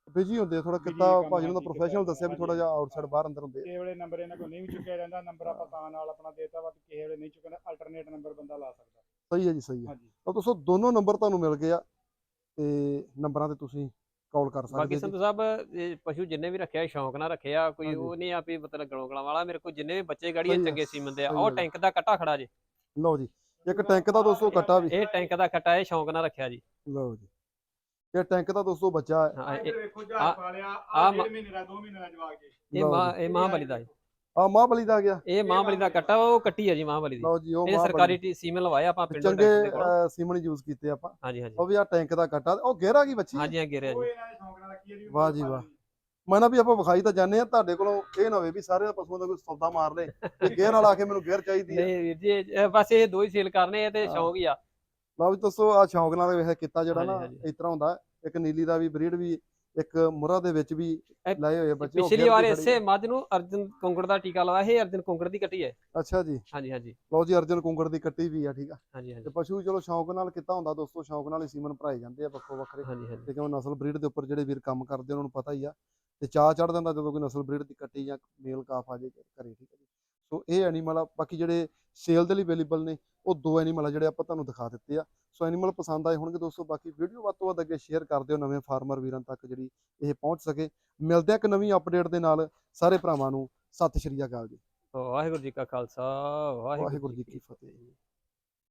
[SPEAKER 1] ਬਿਜੀ ਹੁੰਦੇ ਥੋੜਾ
[SPEAKER 3] busy
[SPEAKER 1] ਕਿੱਤਾ
[SPEAKER 3] ਕੰਮ,
[SPEAKER 1] ਭਾਜੀ ਨੂੰ ਤਾਂ
[SPEAKER 3] ਹਾਂਜੀ,
[SPEAKER 1] ਪ੍ਰੋਫੈਸ਼ਨਲ
[SPEAKER 3] ਕਿੱਤਾ
[SPEAKER 1] ਦੱਸਿਆ ਵੀ
[SPEAKER 3] ਹਾਂਜੀ,
[SPEAKER 1] ਥੋੜਾ ਜਿਹਾ ਆਊਟਸਾਈਡ ਬਾਹਰ ਅੰਦਰ ਹੁੰਦੇ ਆ।
[SPEAKER 3] ਕਿਸੇ ਵੇਲੇ ਨੰਬਰ ਇਹਨਾਂ ਕੋਲ ਨਹੀਂ ਵੀ ਚੁੱਕਿਆ ਜਾਂਦਾ, ਨੰਬਰ ਆਪਾਂ ਤਾਂ ਨਾਲ ਆਪਣਾ ਦੇਤਾ ਵਾ, ਕਿਸੇ ਵੇਲੇ ਨਹੀਂ ਚੁੱਕਣਾ ਅਲਟਰਨੇਟ ਨੰਬਰ ਬੰਦਾ ਲਾ ਸਕਦਾ।
[SPEAKER 1] ਸਹੀ ਹੈ ਜੀ, ਸਹੀ ਹੈ।
[SPEAKER 3] ਹਾਂਜੀ
[SPEAKER 1] ਤਾਂ ਦੋਸਤੋ ਦੋਨੋਂ ਨੰਬਰ ਤੁਹਾਨੂੰ ਮਿਲ ਗਏ ਆ ਤੇ ਨੰਬਰਾਂ ਤੇ ਤੁਸੀਂ ਕਾਲ ਕਰ ਸਕਦੇ
[SPEAKER 2] ਬਾਕੀ
[SPEAKER 1] ਜੀ।
[SPEAKER 2] ਸੰਧੂ ਸਾਹਿਬ ਇਹ ਪਸ਼ੂ ਜਿੰਨੇ ਵੀ ਰੱਖਿਆ ਸ਼ੌਂਕ ਨਾਲ ਰੱਖਿਆ, ਕੋਈ
[SPEAKER 1] ਹਾਂਜੀ।
[SPEAKER 2] ਉਹ ਨਹੀਂ ਆ ਵੀ ਮਤਲਬ ਗਲੋਂ ਵਾਲਾ। ਮੇਰੇ ਕੋਲ ਜਿੰਨੇ ਵੀ ਬੱਚੇ ਗਾੜੀ
[SPEAKER 1] ਸਹੀ ਹੈ,
[SPEAKER 2] ਚੰਗੇ ਸੀਮਨ ਦੇ ਆ।
[SPEAKER 1] ਸਹੀ
[SPEAKER 2] ਉਹ
[SPEAKER 1] ਹੈ ਜੀ।
[SPEAKER 2] ਟੈਂਕ ਦਾ ਕੱਟਾ ਖੜਾ ਜੀ,
[SPEAKER 1] ਲਓ ਜੀ, ਇੱਕ ਟੈਂਕ ਦਾ ਦੋਸਤੋ ਕੱਟਾ ਵੀ।
[SPEAKER 2] ਇਹ ਟੈਂਕ ਦਾ ਕੱਟਾ ਇਹ ਸ਼ੌਂਕ ਨਾਲ ਰੱਖਿਆ ਜੀ।
[SPEAKER 1] ਲਓ ਜੀ, ਇਹ ਟੈਂਕ ਦਾ ਦੋਸਤੋ ਬੱਚਾ ਹੈ।
[SPEAKER 2] ਹਾਂ ਇਹ
[SPEAKER 3] ਇੱਧਰ ਵੇਖੋ
[SPEAKER 2] ਆ-
[SPEAKER 3] ਜਹਾਜ਼ ਪਾ ਲਿਆ
[SPEAKER 2] ਆ
[SPEAKER 3] ਆ
[SPEAKER 2] ਮ-
[SPEAKER 3] ਡੇਢ ਮਹੀਨੇ ਦਾ ਦੋ ਮਹੀਨੇ ਦਾ ਜਵਾਕ ਜੀ।
[SPEAKER 2] ਇਹ
[SPEAKER 1] ਲਓ
[SPEAKER 2] ਮਾਂ
[SPEAKER 1] ਜੀ,
[SPEAKER 2] ਇਹ ਮਹਾਂਬਲੀ ਦਾ ਜੀ।
[SPEAKER 1] ਆ ਮਹਾਂਬਲੀ ਦਾ ਆ ਗਿਆ।
[SPEAKER 2] ਇਹ ਮਹਾਂਬਲੀ ਦਾ ਕੱਟਾ ਉਹ ਕੱਟੀ ਹੈ ਜੀ ਮਹਾਂਬਲੀ ਦੀ।
[SPEAKER 1] ਲਓ ਜੀ, ਉਹ
[SPEAKER 2] ਇਹ
[SPEAKER 1] ਮਹਾਂਬਲੀ
[SPEAKER 2] ਸਰਕਾਰੀ ਟੀ- ਸੀਮਨ ਲਵਾਇਆ ਆਪਾਂ ਪਿੰਡੋਂ
[SPEAKER 1] ਚੰਗੇ
[SPEAKER 2] ਟੈਂਕ ਦੇ ਕੋਲ।
[SPEAKER 1] ਅਹ, ਸੀਮਨ ਯੂਜ਼ ਕੀਤੇ ਆਪਾਂ।
[SPEAKER 2] ਹਾਂਜੀ ਹਾਂਜੀ
[SPEAKER 1] ਉਹ ਵੀ ਆ ਟੈਂਕ ਦਾ ਕੱਟਾ, ਉਹ ਗਹਿਰਾ ਕੀ ਬੱਚੀ ਹੈ।
[SPEAKER 2] ਹਾਂਜੀ ਹਾਂ ਗਿਰਿਆ
[SPEAKER 3] ਉਹ
[SPEAKER 2] ਜੀ।
[SPEAKER 3] ਇਹਨਾਂ ਦੇ ਸ਼ੌਂਕ ਨਾਲ ਰੱਖੀ ਹੈ ਜੀ।
[SPEAKER 1] ਵਾਹ ਜੀ ਵਾਹ। ਮੈਂ ਨਾ ਵੀ ਆਪਾਂ ਵਿਖਾਈ ਤਾਂ ਜਾਂਦੇ ਆ, ਤੁਹਾਡੇ ਕੋਲੋਂ ਇਹ ਨਾ ਹੋਵੇ ਵੀ ਸਾਰੇ ਪਸ਼ੂਆਂ ਦਾ ਕੋਈ ਸੌਦਾ ਮਾਰ ਲੇ ਤੇ ਗੇਅਰ ਨਾਲ ਆ ਕੇ ਮੈਨੂੰ ਗੇਅਰ ਚਾਹੀਦੀ ਹੈ।
[SPEAKER 2] ਨਹੀਂ ਵੀਰ ਜੀ ਇਹ- ਬਸ ਇਹ ਦੋ ਹੀ ਸੇਲ ਕਰਨੇ ਆ ਤੇ
[SPEAKER 1] ਹਾਂ।
[SPEAKER 2] ਸ਼ੌਂਕ ਹੀ ਆ।
[SPEAKER 1] ਲਓ ਵੀ ਦੋਸਤੋ ਆ ਸ਼ੌਂਕ ਨਾਲ ਵੇਖ ਕੀਤਾ ਜਿਹੜਾ
[SPEAKER 2] ਹਾਂਜੀ,
[SPEAKER 1] ਨਾ
[SPEAKER 2] ਹਾਂਜੀ।
[SPEAKER 1] ਇਸ ਤਰ੍ਹਾਂ ਹੁੰਦਾ। ਇੱਕ ਨੀਲੀ ਦਾ ਵੀ ਬਰੀਡ ਵੀ, ਇੱਕ ਮੁਰਾ ਦੇ ਵਿੱਚ ਵੀ
[SPEAKER 2] ਇਹ
[SPEAKER 1] ਲਾਏ ਹੋਏ ਆ ਬੱਚੇ। ਉਹ
[SPEAKER 2] ਪਿਛਲੀ
[SPEAKER 1] ਗੇਅਰ
[SPEAKER 2] ਵਾਰ
[SPEAKER 1] ਦੀ ਖੜੀ
[SPEAKER 2] ਇਸੇ
[SPEAKER 1] ਹੈ।
[SPEAKER 2] ਮੱਝ ਨੂੰ ਅਰਜਨ ਕੁੰਗੜ ਦਾ ਟੀਕਾ ਲਵਾਇਆ, ਇਹ ਅਰਜਨ ਕੁੰਗੜ ਦੀ ਕੱਟੀ ਹੈ।
[SPEAKER 1] ਅੱਛਾ ਜੀ,
[SPEAKER 2] ਹਾਂਜੀ ਹਾਂਜੀ
[SPEAKER 1] ਲਓ ਜੀ, ਅਰਜਨ ਕੁੰਗੜ ਦੀ ਕੱਟੀ ਵੀ ਆ, ਠੀਕ ਆ।
[SPEAKER 2] ਹਾਂਜੀ ਹਾਂਜੀ
[SPEAKER 1] ਤੇ ਪਸ਼ੂ ਚਲੋ ਸ਼ੌਂਕ ਨਾਲ ਕੀਤਾ ਹੁੰਦਾ ਦੋਸਤੋ, ਸ਼ੌਂਕ ਨਾਲ ਹੀ ਸੀਮਨ ਭਰਾਏ ਜਾਂਦੇ ਆ ਵੱਖੋ ਵੱਖਰੇ।
[SPEAKER 2] ਹਾਂਜੀ ਹਾਂਜੀ
[SPEAKER 1] ਤੇ ਕਿਉਂ ਨਸਲ ਬਰੀਡ ਦੇ ਉੱਪਰ ਜਿਹੜੇ ਵੀਰ ਕੰਮ ਕਰਦੇ ਉਹਨਾਂ ਨੂੰ ਪਤਾ ਹੀ ਆ, ਤੇ ਚਾਅ ਚੜ ਜਾਂਦਾ ਜਦੋਂ ਕੋਈ ਨਸਲ ਬਰੀਡ ਦੀ ਕੱਟੀ ਜਾਂ ਮੇਲ ਕਾਫ ਆ ਜੇ ਘਰੇ, ਠੀਕ ਹੈ ਜੀ। ਸੋ ਇਹ ਐਨੀਮਲ ਆ। ਬਾਕੀ ਜਿਹੜੇ ਸੇਲ ਦੇ ਲਈ ਅਵੇਲੇਬਲ ਨੇ ਉਹ ਦੋ ਐਨੀਮਲ ਆ ਜਿਹੜੇ ਆਪਾਂ ਤੁਹਾਨੂੰ ਦਿਖਾ ਦਿੱਤੇ ਆ। ਸੋ ਐਨੀਮਲ ਪਸੰਦ ਆਏ ਹੋਣਗੇ ਦੋਸਤੋ, ਬਾਕੀ ਵੀਡੀਓ ਵੱਧ ਤੋਂ ਵੱਧ ਅੱਗੇ ਸ਼ੇਅਰ ਕਰ ਦਿਓ ਨਵੇਂ ਫਾਰਮਰ ਵੀਰਾਂ ਤੱਕ ਜਿਹੜੀ ਇਹ ਪਹੁੰਚ ਸਕੇ। ਮਿਲਦੇ ਆ ਇੱਕ ਨਵੀਂ ਅਪਡੇਟ ਦੇ ਨਾਲ। ਸਾਰੇ ਭਰਾਵਾਂ ਨੂੰ ਸਤਿ ਸ਼੍ਰੀ ਅਕਾਲ ਜੀ।
[SPEAKER 2] ਵਾਹਿਗੁਰੂ ਜੀ ਕਾ ਖਾਲਸਾ
[SPEAKER 1] ਵਾਹਿਗੁਰੂ ਜੀ ਕੀ ਫਤਿਹ।